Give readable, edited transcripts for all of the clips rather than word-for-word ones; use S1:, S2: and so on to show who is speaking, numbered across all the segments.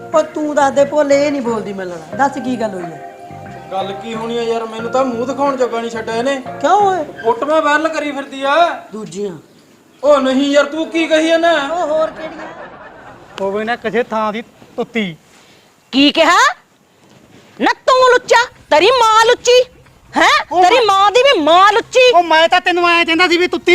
S1: ਉਹ ਤੂੰ ਦੱਸ ਦੇ ਭੋਲੇ ਇਹ ਨਹੀਂ ਬੋਲਦੀ ਮਿਲਣਾ ਦੱਸ ਕੀ ਗੱਲ ਹੋਈ ਹੈ
S2: ਗੱਲ ਕੀ ਹੋਣੀ ਆ ਯਾਰ ਮੈਨੂੰ ਤਾਂ ਮੂੰਹ ਦਿਖਾਉਣ ਜੋਗਾ ਨਹੀਂ ਛੱਡਿਆ ਇਹਨੇ
S1: ਕਿਉਂ ਓਏ
S2: ਫੋਟੋਆਂ ਵਾਇਰਲ ਕਰੀ ਫਿਰਦੀ ਆ
S1: ਦੂਜੀਆਂ
S2: ਉਹ ਨਹੀਂ ਯਾਰ ਤੂੰ ਕੀ ਕਹੀ ਨਾ
S1: ਉਹ ਹੋਰ ਕਿਹੜੀਆਂ
S3: ਹੋਵੇ ਨਾ ਕਿਸੇ ਥਾਂ ਦੀ ਤੁੱਤੀ
S4: ਕੀ ਕਿਹਾ ਨਾ ਤੂੰ ਲੁੱਚਾ ਤੇਰੀ ਮਾਂ ਲੁੱਚੀ ਹੈ ਤੇਰੀ ਮਾਂ ਦੀ ਵੀ ਮਾਂ ਲੁੱਚੀ
S3: ਉਹ ਮੈਂ ਤਾਂ ਤੈਨੂੰ ਐਂ ਕਹਿੰਦਾ ਸੀ ਵੀ ਤੁੱਤੀ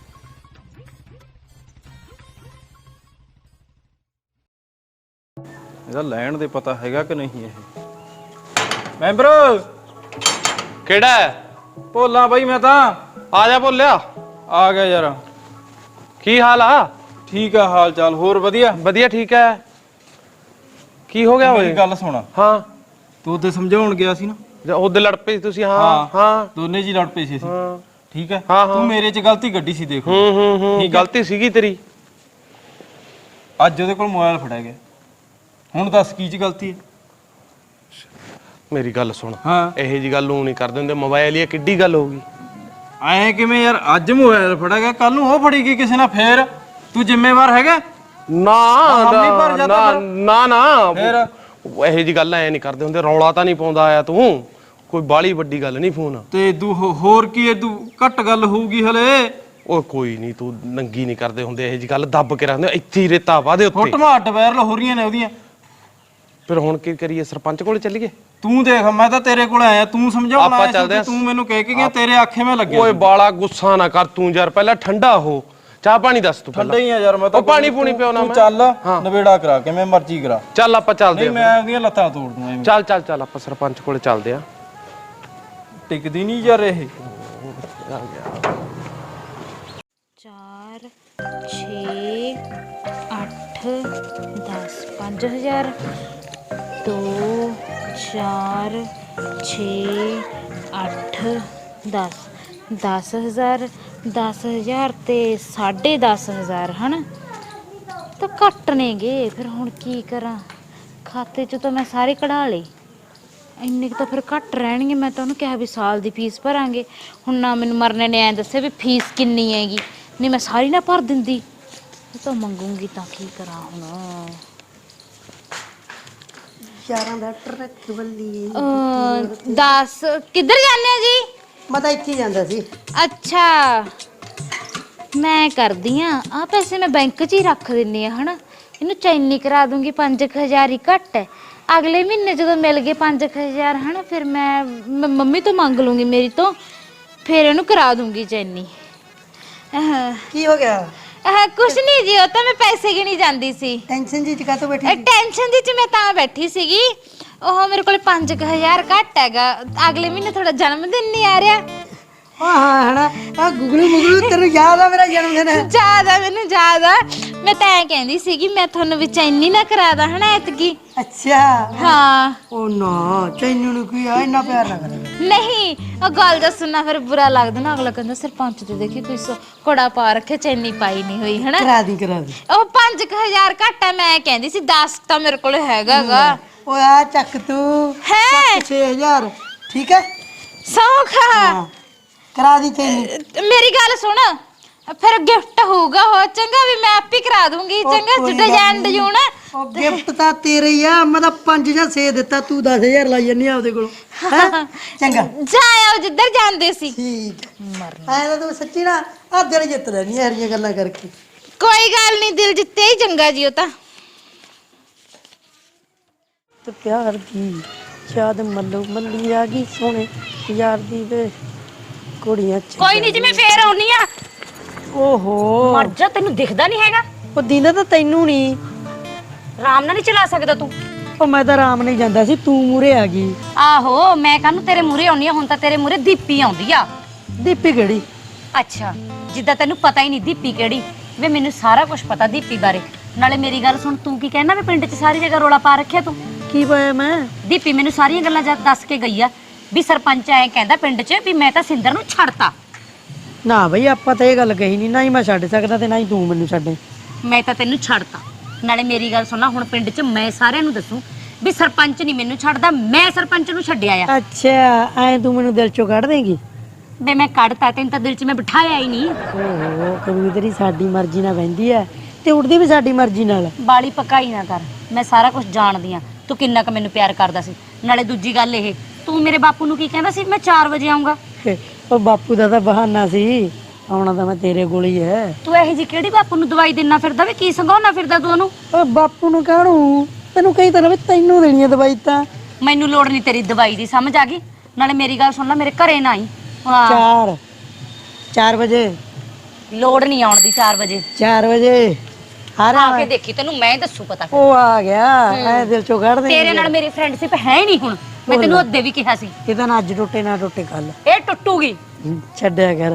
S2: ਇਹਦਾ ਲੈਣ ਦੇ ਪਤਾ ਹੈਗਾ ਕਿ ਨਹੀਂ ਇਹ ਮੈਂਬਰ
S5: ਕਿਹੜਾ
S2: ਭੋਲਾ ਬਾਈ ਮੈਂ ਤਾਂ
S5: ਆ ਜਾ ਬੋਲਿਆ
S2: ਆ ਗਿਆ ਯਾਰ
S5: ਕੀ ਹਾਲ ਆ
S2: ਠੀਕ ਆ ਹਾਲ ਚਾਲ ਹੋਰ ਵਧੀਆ
S5: ਵਧੀਆ ਠੀਕ ਹੈ ਕੀ ਹੋ ਗਿਆ
S2: ਮੇਰੀ
S5: ਓਏ
S2: ਗੱਲ ਸੁਣ
S5: ਹਾਂ
S2: ਤੂੰ ਉਹਦੇ ਸਮਝਾਉਣ ਗਿਆ ਸੀ ਨਾ
S5: ਉਹਦੇ ਲੜ ਪਏ ਸੀ ਤੁਸੀਂ ਹਾਂ ਹਾਂ
S2: ਦੋਨੇ ਜੀ ਲੜ ਪਏ ਸੀ ਅਸੀਂ ਠੀਕ ਹੈ
S5: ਹਾਂ, ਹਾਂ।
S2: ਤੂੰ ਮੇਰੇ 'ਚ ਗਲਤੀ ਕੱਢੀ ਸੀ ਦੇਖ
S5: ਹੂੰ
S2: ਠੀਕ ਹੈ।
S5: ਗਲਤੀ ਸੀਗੀ ਤੇਰੀ
S2: ਅੱਜ ਉਹਦੇ ਕੋਲ ਮੋਬਾਈਲ ਫੜਿਆ ਗਿਆ ਹੁਣ ਦੱਸ ਕੀ 'ਚ ਗਲਤੀ ਹੈ
S5: ਮੇਰੀ ਗੱਲ ਸੁਣ
S2: ਹਾਂ
S5: ਇਹੋ ਜੀ ਗੱਲ ਨੂੰ ਨਹੀਂ ਕਰਦੇ ਹੁੰਦੇ ਮੋਬਾਈਲ ਹੀ ਕਿੱਡੀ ਗੱਲ ਹੋਊਗੀ
S2: ਐਂ ਕਿਵੇਂ ਯਾਰ ਅੱਜ ਮੋਬਾਈਲ ਫੜਿਆ ਗਿਆ ਕੱਲ ਨੂੰ ਉਹ ਫੜੀ ਗਈ ਕਿਸੇ ਨਾਲ ਫੇਰ ਤੂੰ ਜ਼ਿੰਮੇਵਾਰ ਹੈਗਾ
S5: ਨਾ
S2: ਹਮ ਨਹੀਂ ਭਰ ਜਾਂਦਾ
S5: ਨਾ ਨਾ
S2: ਫੇਰ
S5: ਇਹੋ ਜੀ ਗੱਲ ਐ ਨਹੀਂ ਕਰਦੇ ਹੁੰਦੇ ਰੌਲਾ ਤਾਂ ਨਹੀਂ ਪਾਉਂਦਾ ਆਇਆ ਤੂੰ ਕੋਈ ਬਾਲੀ ਵੱਡੀ ਗੱਲ ਨਹੀਂ ਫੋਨ
S2: ਤੇ ਏਦੂ ਹੋਰ ਕੀ ਏਦੂ ਘੱਟ ਗੱਲ ਹੋਊਗੀ ਹਲੇ
S5: ਉਹ ਕੋਈ ਨਹੀਂ ਤੂੰ ਨੰਗੀ ਨਹੀਂ ਕਰਦੇ ਹੁੰਦੇ ਇਹੋ ਜੀ ਗੱਲ ਦੱਬ ਕੇ ਰੱਖਦੇ ਇੱਥੇ ਹੀ ਰੇਤਾ ਵਾਦੇ ਉੱਤੇ
S2: ਫੋਟੋਆਂ ਅੱਡ ਵਾਇਰਲ ਹੋ ਰਹੀਆਂ ਨੇ ਉਹਦੀਆਂ
S5: ਫਿਰ ਹੁਣ ਕੀ ਕਰੀਏ ਸਰਪੰਚ ਕੋਲ ਚੱਲੀਏ
S2: ਤੂੰ ਦੇਖ ਮੈਂ ਤਾਂ ਤੇਰੇ ਕੋਲ ਆਇਆ ਤੂੰ ਸਮਝਾਉਣਾ
S5: ਆਪਾਂ
S2: ਆਇਆ
S5: ਚੱਲਦੇ
S2: ਸੀ
S5: ਆ।
S2: ਤੂੰ ਮੈਨੂੰ ਕਹਿ ਕੇ ਗਿਆ ਤੇਰੇ ਆਖੇ ਮੈਂ ਲੱਗਿਆ
S5: ਓਏ ਬਾਲਾ ਗੁੱਸਾ ਨਾ ਕਰ ਤੂੰ ਯਾਰ ਪਹਿਲਾਂ ਠੰਡਾ ਹੋ ਚਾਹ ਪਾਣੀ ਦੱਸ ਤੂੰ
S2: ਠੰਡਾ ਹੀ ਆ ਯਾਰ ਮੈਂ ਤਾਂ
S5: ਉਹ ਪਾਣੀ ਪੂਣੀ ਪਿਉਣਾ
S2: ਤੂੰ
S5: ਮੈਂ
S2: ਚੱਲ ਨਵੇੜਾ ਕਰਾ ਕਿਵੇਂ ਮਰਜ਼ੀ ਕਰਾ
S5: ਚੱਲ ਆਪਾਂ ਚੱਲਦੇ
S2: ਨਹੀਂ
S5: ਆ
S2: ਮੈਂ ਉਹਦੀਆਂ ਲੱਤਾਂ ਤੋੜ ਦੂੰ ਐਵੇਂ
S5: ਚੱਲ ਚੱਲ ਚੱਲ ਆਪਾਂ ਸਰਪੰਚ ਕੋਲ ਚੱਲਦੇ ਆ
S2: ਟਿਕਦੀ ਨਹੀਂ ਯਾਰ ਇਹ
S6: 4 6 8 10 5000 2 4 6 8 10 10000 10000 ਤੇ 10.5 ਹਨ ਤਾਂ ਘੱਟ ਨੇਗੇ ਫਿਰ ਹੁਣ ਕੀ ਕਰਾਂ ਖਾਤੇ 'ਚ ਤਾਂ ਮੈਂ ਸਾਰੇ ਕਢਾ ਲਏ ਇੰਨੇ ਕੁ ਤਾਂ ਫਿਰ ਘੱਟ ਰਹਿਣਗੇ ਮੈਂ ਤਾਂ ਉਹਨੂੰ ਕਿਹਾ ਵੀ ਸਾਲ ਦੀ ਫੀਸ ਭਰਾਂਗੇ ਹੁਣ ਨਾ ਮੈਨੂੰ ਮਰਨੇ ਨੇ ਐਂ ਦੱਸਿਆ ਵੀ ਫੀਸ ਕਿੰਨੀ ਹੈਗੀ ਨਹੀਂ ਮੈਂ ਸਾਰੀ ਨਾ ਭਰ ਦਿੰਦੀ ਉਹ ਤਾਂ ਮੰਗੂੰਗੀ ਤਾਂ ਕੀ ਕਰਾਂ ਹੁਣ
S1: ਯਾਰਾਂ ਦਾ ਟਰੱਕ ਵੱਲੀ
S6: 10 ਕਿੱਧਰ ਜਾਂਦੇ ਹੋ ਜੀ
S1: ਮੈਂ ਤਾਂ ਇੱਥੇ ਹੀ ਜਾਂਦਾ ਸੀ
S6: ਅੱਛਾ ਮੈਂ ਕਰਦੀ ਆ ਪੈਸੇ ਮੈਂ ਬੈਂਕ 'ਚ ਹੀ ਰੱਖ ਦਿੰਨੀ ਆ ਹਨਾ ਇਹਨੂੰ ਚੈਨੀ ਕਰਾ ਦੂੰਗੀ 5000 ਹੀ ਘੱਟ ਹੈ ਅਗਲੇ ਮਹੀਨੇ ਜਦੋਂ ਮਿਲ ਗਏ 5000 ਹਨਾ ਫਿਰ ਮੈਂ ਮੰਮੀ ਤੋਂ ਮੰਗ ਲੂੰਗੀ ਮੇਰੀ ਤੋਂ ਫਿਰ ਇਹਨੂੰ ਕਰਾ ਦੂੰਗੀ ਚੈਨੀ
S1: ਕੀ ਹੋ ਗਿਆ
S6: ਕੁਛ ਨਹੀਂ ਜੀ ਉਹ ਤਾਂ ਮੈਂ ਪੈਸੇ ਗਿਣੀ ਜਾਂਦੀ ਸੀ
S1: ਟੈਨਸ਼ਨ ਜੀ ਚ ਕਾਹਤੋਂ ਬੈਠੀ ਸੀ?
S6: ਟੈਨਸ਼ਨ ਦੀ ਚ ਮੈਂ ਤਾਂ ਬੈਠੀ ਸੀਗੀ ਉਹ ਮੇਰੇ ਕੋਲ 5000 ਘੱਟ ਹੈਗਾ ਅਗਲੇ ਮਹੀਨੇ ਥੋੜਾ ਜਨਮ ਦਿਨ ਨਹੀਂ ਆ ਰਿਹਾ
S1: ਹਾਂ ਹਨਾ ਆ ਗੁਗਲੂ ਮੁਗਲੂ ਤੈਨੂੰ ਯਾਦ ਆ ਮੇਰਾ ਜਨਮ ਦਿਨ
S6: ਜ਼ਿਆਦਾ ਮੈਨੂੰ ਜ਼ਿਆਦਾ ਮੈਂ ਤਾਂ ਐਂ ਕਹਿੰਦੀ ਸੀਗੀ ਮੈਂ ਤੁਹਾਨੂੰ ਵਿੱਚ ਇੰਨੀ ਨਾ ਕਰਾਦਾ ਹਨਾ ਐਤਕੀ
S1: ਅੱਛਾ
S6: ਹਾਂ
S1: ਉਹ ਨਾ ਤੈਨੂੰ ਨੂੰ ਕੀ ਆ ਇੰਨਾ ਪਿਆਰ ਨਾ ਕਰ
S6: ਨਹੀਂ ਉਹ ਗੱਲ ਦਾ ਸੁਣਨਾ ਫਿਰ ਬੁਰਾ ਲੱਗਦਾ ਨਾ ਅਗਲਾ ਕਹਿੰਦਾ ਸਰਪੰਚ ਤੇ ਦੇਖੀ ਕੋਈ ਕੋੜਾ ਪਾ ਰੱਖਿਆ ਚੈਨੀ ਪਾਈ ਨਹੀਂ ਹੋਈ ਹਨਾ
S1: ਕਰਾ ਦੀ
S6: ਉਹ 5000 ਘੱਟ ਹੈ ਮੈਂ ਕਹਿੰਦੀ ਸੀ 10 ਤਾਂ ਮੇਰੇ ਕੋਲ ਹੈਗਾਗਾ
S1: ਓਏ ਆ ਚੱਕ ਤੂੰ
S6: ਹੈ
S1: 6000 ਠੀਕ ਹੈ
S6: ਸੌਖਾ
S1: ਹਾਂ ਕਰਾ ਦੀ ਚੈਨੀ
S6: ਮੇਰੀ ਗੱਲ ਸੁਣ ਫਿਰ ਗਿਫਟ ਹੋਊਗਾ ਹੋ ਚੰਗਾ ਵੀ ਮੈਂ ਆਪ ਹੀ ਕਰਾ ਦੂੰਗੀ ਚੰਗਾ ਡਿਜ਼ਾਈਨ ਡਿਜੂਨ
S1: ਉਹ ਗਿਫਟ ਤਾਂ ਤੇਰੇ ਹੀ ਆ ਮੈਂ ਤਾਂ 5 ਜਾਂ 6 ਦਿੱਤਾ ਤੂੰ 10000 ਲਾਈ ਜੰਨੀ ਆਪਦੇ ਕੋਲ ਚੰਗਾ
S6: ਜਾ ਆਓ ਜਿੱਧਰ ਜਾਂਦੇ ਸੀ
S1: ਠੀਕ ਐ ਤਾਂ ਤੂੰ ਸੱਚੀ ਨਾ ਆ ਦਿਲ ਜਿੱਤ ਲੈਣੀ ਐ ਹਰੀਆਂ ਗੱਲਾਂ ਕਰਕੇ
S6: ਕੋਈ ਗੱਲ ਨਹੀਂ ਦਿਲ ਜਿੱਤੇ ਹੀ ਚੰਗਾ ਜੀ ਉਹ ਤਾਂ
S1: ਤੇ ਪਿਆਰ ਦੀ ਯਾਦ ਮੱਲੋ ਮੱਲੀ ਆ ਗਈ ਸੋਹਣੇ ਯਾਰ ਦੀ ਵੇ ਕੁੜੀਆਂ ਚ
S4: ਕੋਈ ਨਹੀਂ ਜੀ ਮੈਂ ਫੇਰ ਆਉਣੀ ਆ
S1: ਓਹੋ
S4: ਮਰ ਜਾ ਤੈਨੂੰ ਦਿਖਦਾ ਨਹੀਂ ਹੈਗਾ
S1: ਉਹ ਦਿਨ ਤਾਂ ਤੈਨੂੰ ਨਹੀਂ
S4: ਆਰਾਮ ਨਾਲ ਨਹੀਂ ਚਲਾ ਸਕਦਾ ਤੂੰ
S1: ਉਹ ਮੈਂ ਤਾਂ ਆਰਾਮ ਨਹੀਂ ਜਾਂਦਾ ਸੀ ਤੂੰ ਮੂਰੇ ਆ ਗਈ
S4: ਆਹੋ ਮੈਂ ਕਾਹਨੂੰ ਤੇਰੇ ਮੂਰੇ ਆਉਣੀ ਆ ਹੁਣ ਤਾਂ ਤੇਰੇ ਮੂਰੇ ਦੀਪੀ ਆਉਂਦੀ ਆ
S1: ਦੀਪੀ ਕਿਹੜੀ
S4: ਅੱਛਾ ਜਿੱਦਾਂ ਤੈਨੂੰ ਪਤਾ ਹੀ ਨਹੀਂ ਦੀਪੀ ਕਿਹੜੀ ਵੇ ਮੈਨੂੰ ਸਾਰਾ ਕੁਝ ਪਤਾ ਦੀਪੀ ਬਾਰੇ ਨਾਲੇ ਮੇਰੀ ਗੱਲ ਸੁਣ ਤੂੰ ਕੀ ਕਹਿਣਾ ਵੀ ਪਿੰਡ 'ਚ ਸਾਰੀ ਜਗ੍ਹਾ ਰੋਲਾ ਪਾ ਰੱਖਿਆ ਤੂੰ
S1: ਕੀ ਪਾਇਆ ਮੈਂ
S4: ਦੀਪੀ ਮੈਨੂੰ ਸਾਰੀਆਂ ਗੱਲਾਂ ਦੱਸ ਕੇ ਗਈ ਆ ਵੀ ਸਰਪੰਚ ਐ ਕਹਿੰਦਾ ਪਿੰਡ 'ਚ ਵੀ ਮੈਂ ਤਾਂ ਸਿੰਦਰ ਨੂੰ ਛੱਡਤਾ
S1: ਨਾ ਬਈ ਆਪਾਂ ਤਾਂ ਇਹ ਗੱਲ ਕਹੀ ਨਹੀਂ ਨਾ ਹੀ ਮੈਂ ਛੱਡ ਸਕਦਾ ਤੇ ਨਾ ਹੀ ਤੂੰ ਮੈਨੂੰ ਛੱਡੇ
S4: ਮੈਂ ਤਾਂ ਤੈਨੂੰ ਛੱਡਤਾ ਨਾਲੇ ਮੇਰੀ ਗੱਲ ਸੁਣਨਾ ਹੁਣ ਪਿੰਡ 'ਚ ਮੈਂ ਸਾਰਿਆਂ ਨੂੰ ਦੱਸੂ ਵੀ ਸਰਪੰਚ ਨਹੀਂ ਮੈਨੂੰ ਛੱਡਦਾ ਮੈਂ ਸਰਪੰਚ ਨੂੰ ਛੱਡਿਆ ਆ
S1: ਅੱਛਾ ਐ ਤੂੰ ਮੈਨੂੰ ਦਿਲ ਚੋਂ ਕੱਢ ਦੇਂਗੀ
S4: ਵੇ ਮੈਂ ਕੱਢਤਾ ਤੈਨੂੰ ਤਾਂ ਦਿਲ 'ਚ ਮੈਂ ਬਿਠਾਇਆ ਹੀ ਨਹੀਂ
S1: ਓਹੋ ਕਬੂਤਰੀ ਸਾਡੀ ਮਰਜ਼ੀ ਨਾਲ ਬਹਿੰਦੀ ਐ ਤੇ ਉੱਡਦੀ ਵੀ ਸਾਡੀ ਮਰਜ਼ੀ ਨਾਲ
S4: ਬਾਲੀ ਪਕਾਈ ਨਾ ਕਰ ਮੈਂ ਸਾਰਾ ਕੁਝ ਜਾਣਦੀ ਆ ਤੂੰ ਕਿੰਨਾ ਕੁ ਮੈਨੂੰ ਪਿਆਰ ਕਰਦਾ ਸੀ। ਨਾਲੇ ਦੂਜੀ ਗੱਲ ਇਹ, ਤੂੰ ਮੇਰੇ ਬਾਪੂ ਨੂੰ ਕੀ ਕਹਿੰਦਾ ਸੀ ਮੈਂ 4 ਵਜੇ ਆਉਂਗਾ?
S1: ਉਹ ਬਾਪੂ ਦਾ ਤਾਂ ਬਹਾਨਾ ਸੀ, ਆਉਣਾ ਤਾਂ ਮੈਂ ਤੇਰੇ ਕੋਲ ਹੀ ਹੈ।
S4: ਤੂੰ ਇਹੋ ਜੀ ਕਿਹੜੀ ਬਾਪੂ ਨੂੰ ਦਵਾਈ ਦੇਣਾ ਫਿਰਦਾ ਵੇ? ਕੀ ਸੰਘਾਉਣਾ ਫਿਰਦਾ ਤੂੰ ਉਹਨੂੰ?
S1: ਓ ਬਾਪੂ ਨੂੰ ਕਾਹਨੂੰ, ਤੈਨੂੰ ਕਹੀ ਤਰ੍ਹਾਂ ਵੀ ਤੈਨੂੰ ਦੇਣੀ ਹੈ ਦਵਾਈ ਤਾਂ।
S4: ਮੈਨੂੰ ਲੋੜ ਨਹੀਂ ਤੇਰੀ ਦਵਾਈ ਦੀ, ਸਮਝ ਆ ਗਈ? ਨਾਲੇ ਮੇਰੀ ਗੱਲ ਸੁਣ ਲੈ, ਮੇਰੇ ਘਰੇ ਨਾ ਆਈ। ਹਾਂ
S1: 4 ਵਜੇ
S4: ਲੋੜ ਨਹੀਂ ਆਉਣ ਦੀ। 4 ਵਜੇ
S1: 4 ਵਜੇ
S4: ਆ ਕੇ ਦੇਖੀ, ਤੈਨੂੰ ਮੈਂ ਦੱਸੂ ਪਤਾ।
S1: ਉਹ ਆ ਗਿਆ ਐ ਦਿਲ ਚੋਂ ਕੱਢ ਦੇ।
S4: ਤੇਰੇ ਨਾਲ ਮੇਰੀ ਫਰੈਂਡਸ਼ਿਪ ਹੈ ਹੀ ਨਹੀਂ ਹੁਣ। ਮੈਂ ਤੈਨੂੰ ਅੱਧੇ ਵੀ ਕਿਹਾ ਸੀ
S1: ਇਹਦਾ ਨਾ ਅੱਜ ਟੁੱਟੇ ਨਾ ਟੁੱਟੇ ਕੱਲ।
S4: ਇਹ ਟੁੱਟੂਗੀ।
S1: ਛੱਡਿਆ ਕਰ।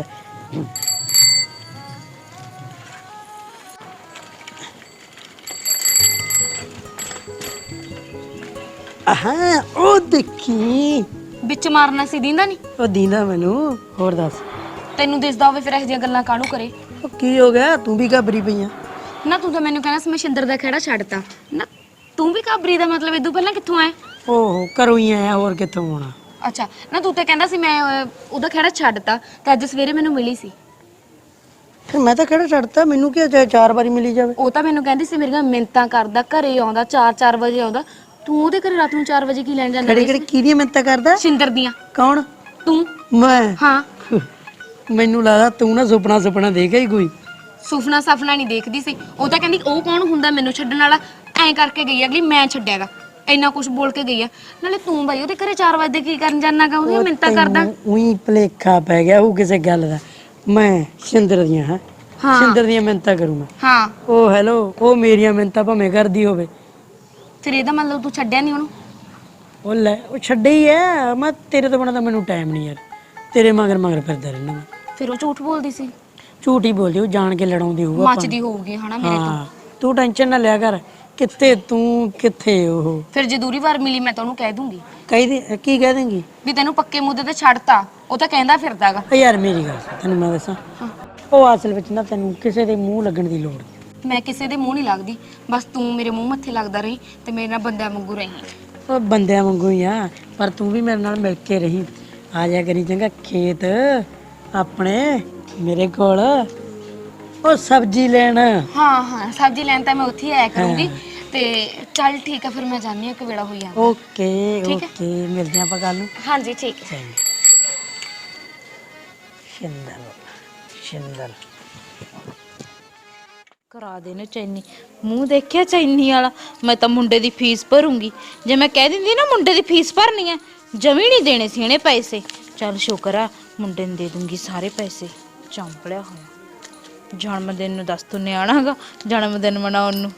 S1: ਹਾਂ ਉਹ ਦੇਖੀ
S6: ਵਿੱਚ ਮਾਰਨਾ ਸੀ ਦਿੰਦਾ ਨਹੀਂ
S1: ਉਹ ਦੀਂਦਾ ਮੈਨੂੰ। ਹੋਰ ਦੱਸ
S6: ਤੈਨੂੰ ਦਿਸਦਾ ਹੋਵੇ ਫਿਰ ਇਹੋ ਜਿਹੀਆਂ ਗੱਲਾਂ ਕਾਹਨੂੰ ਕਰੇ।
S1: ਉਹ ਕੀ ਹੋ ਗਿਆ, ਤੂੰ ਵੀ ਘਬਰੀ ਪਈ ਆ?
S6: ਨਾ ਤੂੰ ਤਾਂ ਮੈਨੂੰ ਕਹਿਣਾ ਸੀ ਮੈਂ ਸ਼ਿੰਦਰ ਦਾ ਖਹਿੜਾ ਛੱਡਤਾ ਨਾ, ਤੂੰ ਵੀ ਘਾਬਰੀ ਦਾ ਮਤਲਬ ਇਦੋਂ ਪਹਿਲਾਂ ਕਿੱਥੋਂ ਆਇਆ?
S1: ਓਹੋ ਘਰੋਂ ਹੀ ਆਇਆ, ਹੋਰ ਕਿੱਥੋਂ ਆਉਣਾ।
S6: ਅੱਛਾ ਨਾ ਤੂੰ ਤਾਂ ਕਹਿੰਦਾ ਸੀ ਮੈਂ ਉਹਦਾ ਖਹਿੜਾ ਛੱਡਤਾ ਤੇ ਅੱਜ ਸਵੇਰੇ ਮੈਨੂੰ ਮਿਲੀ ਸੀ।
S1: ਫਿਰ ਮੈਂ ਤਾਂ ਕਿਹੜਾ ਛੱਡਤਾ, ਮੈਨੂੰ ਕੀ 4 ਵਾਰੀ ਮਿਲੀ ਜਾਵੇ।
S6: ਉਹ ਤਾਂ ਮੈਨੂੰ ਕਹਿੰਦੀ ਸੀ ਮੇਰੀਆਂ ਮਿੰਤਾਂ ਕਰਦਾ, ਘਰੇ ਆਉਂਦਾ 4-4 ਵਜੇ ਆਉਂਦਾ। ਤੂੰ ਉਹਦੇ ਘਰੇ ਰਾਤ ਨੂੰ 4 ਵਜੇ ਕੀ ਲੈਣ ਜਾਂਦਾ?
S1: ਕਿਹੜੀ ਕਿਹੜੀ ਕਿਹਦੀਆਂ ਮਿੰਤਾਂ ਕਰਦਾ?
S6: ਸ਼ਿੰਦਰ ਦੀਆਂ।
S1: ਕੌਣ?
S6: ਤੂੰ।
S1: ਮੈਂ?
S6: ਹਾਂ
S1: ਮੈਨੂੰ ਲੱਗਦਾ ਤੂੰ ਨਾ ਸੁਪਨਾ ਦੇਖਿਆ ਹੀ ਕੋਈ।
S6: ਸੁਪਨਾ ਸਫਨਾ ਨਹੀਂ ਦੇਖਦੀ ਸੀ। ਉਹ ਤਾਂ ਕਹਿੰਦੀ ਉਹ ਕੌਣ ਹੁੰਦਾ ਮੈਨੂੰ ਛੱਡਣ ਵਾਲਾ, ਐਂ ਕਰਕੇ ਗਈ ਅਗਲੀ, ਮੈਂ ਛੱਡਿਆਗਾ। ਇੰਨਾ ਕੁਝ ਬੋਲ ਕੇ ਗਈ ਆ। ਨਾਲੇ ਤੂੰ ਬਾਈ ਉਹਦੇ ਘਰੇ 4 ਵਜੇ ਕੀ ਕਰਨ ਜਾਣਾਗਾ? ਉਹਦੀਆਂ ਮਿੰਤਾਂ ਕਰਦਾ।
S1: ਉਹੀ ਭਲੇਖਾ ਪੈ ਗਿਆ ਉਹ ਕਿਸੇ ਗੱਲ ਦਾ। ਮੈਂ ਸ਼ਿੰਦਰ ਦੀਆਂ ਹਾਂ ਸ਼ਿੰਦਰ ਦੀਆਂ ਮਿੰਤਾਂ ਕਰੂੰ ਮੈਂ?
S6: ਹਾਂ।
S1: ਉਹ ਹੈਲੋ, ਉਹ ਮੇਰੀਆਂ ਮਿੰਤਾਂ ਭਾਵੇਂ ਕਰਦੀ ਹੋਵੇ।
S6: ਫਿਰ ਇਹਦਾ ਮਤਲਬ ਤੂੰ ਛੱਡਿਆ ਨਹੀਂ ਉਹਨੂੰ?
S1: ਉਹ ਲੈ ਉਹ ਛੱਡੇ ਹੀ ਐ। ਮੈਂ ਤੇਰੇ ਤੋਂ ਬਿਨਾਂ ਤਾਂ ਮੈਨੂੰ ਟਾਈਮ ਨਹੀਂ ਯਾਰ। ਤੇਰੇ ਮਗਰ ਫਿਰਦਾ ਰਹਿਣਾ ਮੈਂ।
S6: ਫਿਰ ਉਹ ਝੂਠ ਬੋਲਦੀ ਸੀ?
S1: ਝੂਠ ਹੀ ਬੋਲਦੀ, ਉਹ ਜਾਣ ਕੇ ਲੜਾਉਂਦੀ ਹੋਊਗਾ।
S6: ਮੱਚਦੀ ਹੋਊਗੀ ਹਨਾ ਮੇਰੇ ਤੋਂ।
S1: ਹਾਂ ਤੂੰ ਟੈਨਸ਼ਨ ਨਾ ਲਿਆ ਕਰ। ਕਿੱਥੇ ਤੂੰ ਕਿੱਥੇ ਉਹ।
S6: ਫਿਰ ਜੇ ਦੂਰੀ ਵਾਰ ਮਿਲੀ ਮੈਂ ਤਾਂ ਉਹਨੂੰ ਕਹਿ ਦੂੰਗੀ
S1: ਕੀ ਕਹਿ ਦੇਂਗੀ?
S6: ਵੀ ਤੈਨੂੰ ਪੱਕੇ ਮੁੱਦੇ ਤੇ ਛੱਡਤਾ। ਉਹ ਤਾਂ ਕਹਿੰਦਾ ਫਿਰਦਾਗਾ।
S1: ਯਾਰ ਮੇਰੀ ਗੱਲ ਸੁਣ, ਤੈਨੂੰ ਮੈਂ ਦੱਸਾਂ, ਉਹ ਅਸਲ ਵਿੱਚ ਨਾ ਤੈਨੂੰ ਕਿਸੇ ਦੇ ਮੂੰਹ ਲੱਗਣ ਦੀ ਲੋੜ ਨਹੀਂ।
S6: ਮੈਂ ਕਿਸੇ ਦੇ ਮੂੰਹ ਨਹੀਂ ਲੱਗਦੀ, ਬਸ ਤੂੰ ਮੇਰੇ ਮੂੰਹ ਮੱਥੇ ਲੱਗਦਾ ਰਹੀ ਤੇ ਮੇਰੇ ਨਾਲ ਬੰਦਿਆਂ ਵਾਂਗੂ ਰਹੀ।
S1: ਉਹ ਬੰਦਿਆਂ ਵਾਂਗੂ ਹੀ ਆ, ਪਰ ਤੂੰ ਵੀ ਮੇਰੇ ਨਾਲ ਮਿਲ ਕੇ ਰਹੀ। ਆ ਜਾ ਕਰੀ ਚੰਗਾ ਖੇਤ ਆਪਣੇ ਮੇਰੇ ਕੋਲ, ਉਹ ਸਬਜ਼ੀ ਲੈਣ।
S6: ਹਾਂ ਸਬਜ਼ੀ ਲੈਣ ਤਾਂ ਮੈਂ ਉੱਥੇ ਹੀ ਆਇਆ ਕਰੂੰਗੀ। ਤੇ ਚੱਲ ਠੀਕ ਆ, ਫਿਰ ਮੈਂ ਜਾਣੀ ਆ ਕਿ ਵੇਲਾ ਹੋਈ ਜਾਂਦਾ।
S1: ਓਕੇ ਮਿਲਦੇ ਆਪਾਂ ਕੱਲ ਨੂੰ।
S6: ਹਾਂਜੀ ਠੀਕ ਹੈ।
S1: ਸ਼ਿੰਦਰ
S7: ਕਰਾ ਦੇ ਨਾ ਚੈਨੀ। ਮੂੰਹ ਦੇਖਿਆ ਚੈਨੀ ਵਾਲਾ। ਮੈਂ ਤਾਂ ਮੁੰਡੇ ਦੀ ਫੀਸ ਭਰੂੰਗੀ। ਜੇ ਮੈਂ ਕਹਿ ਦਿੰਦੀ ਨਾ ਮੁੰਡੇ ਦੀ ਫੀਸ ਭਰਨੀ ਹੈ, ਜਮੀ ਨਹੀਂ ਦੇਣੇ ਸੀ ਇਹਨੇ ਪੈਸੇ। ਚੱਲ ਸ਼ੁਕਰ ਆ ਮੁੰਡੇ ਨੂੰ ਦੇ ਦੂੰਗੀ ਸਾਰੇ ਪੈਸੇ। ਚੰਪਲਿਆ ਹੋਇਆ। ਜਨਮ ਦਿਨ ਨੂੰ ਦੱਸ ਤੂੰ ਨਿਆਣਾਗਾ ਜਨਮ ਦਿਨ ਮਨਾਉਣ ਨੂੰ।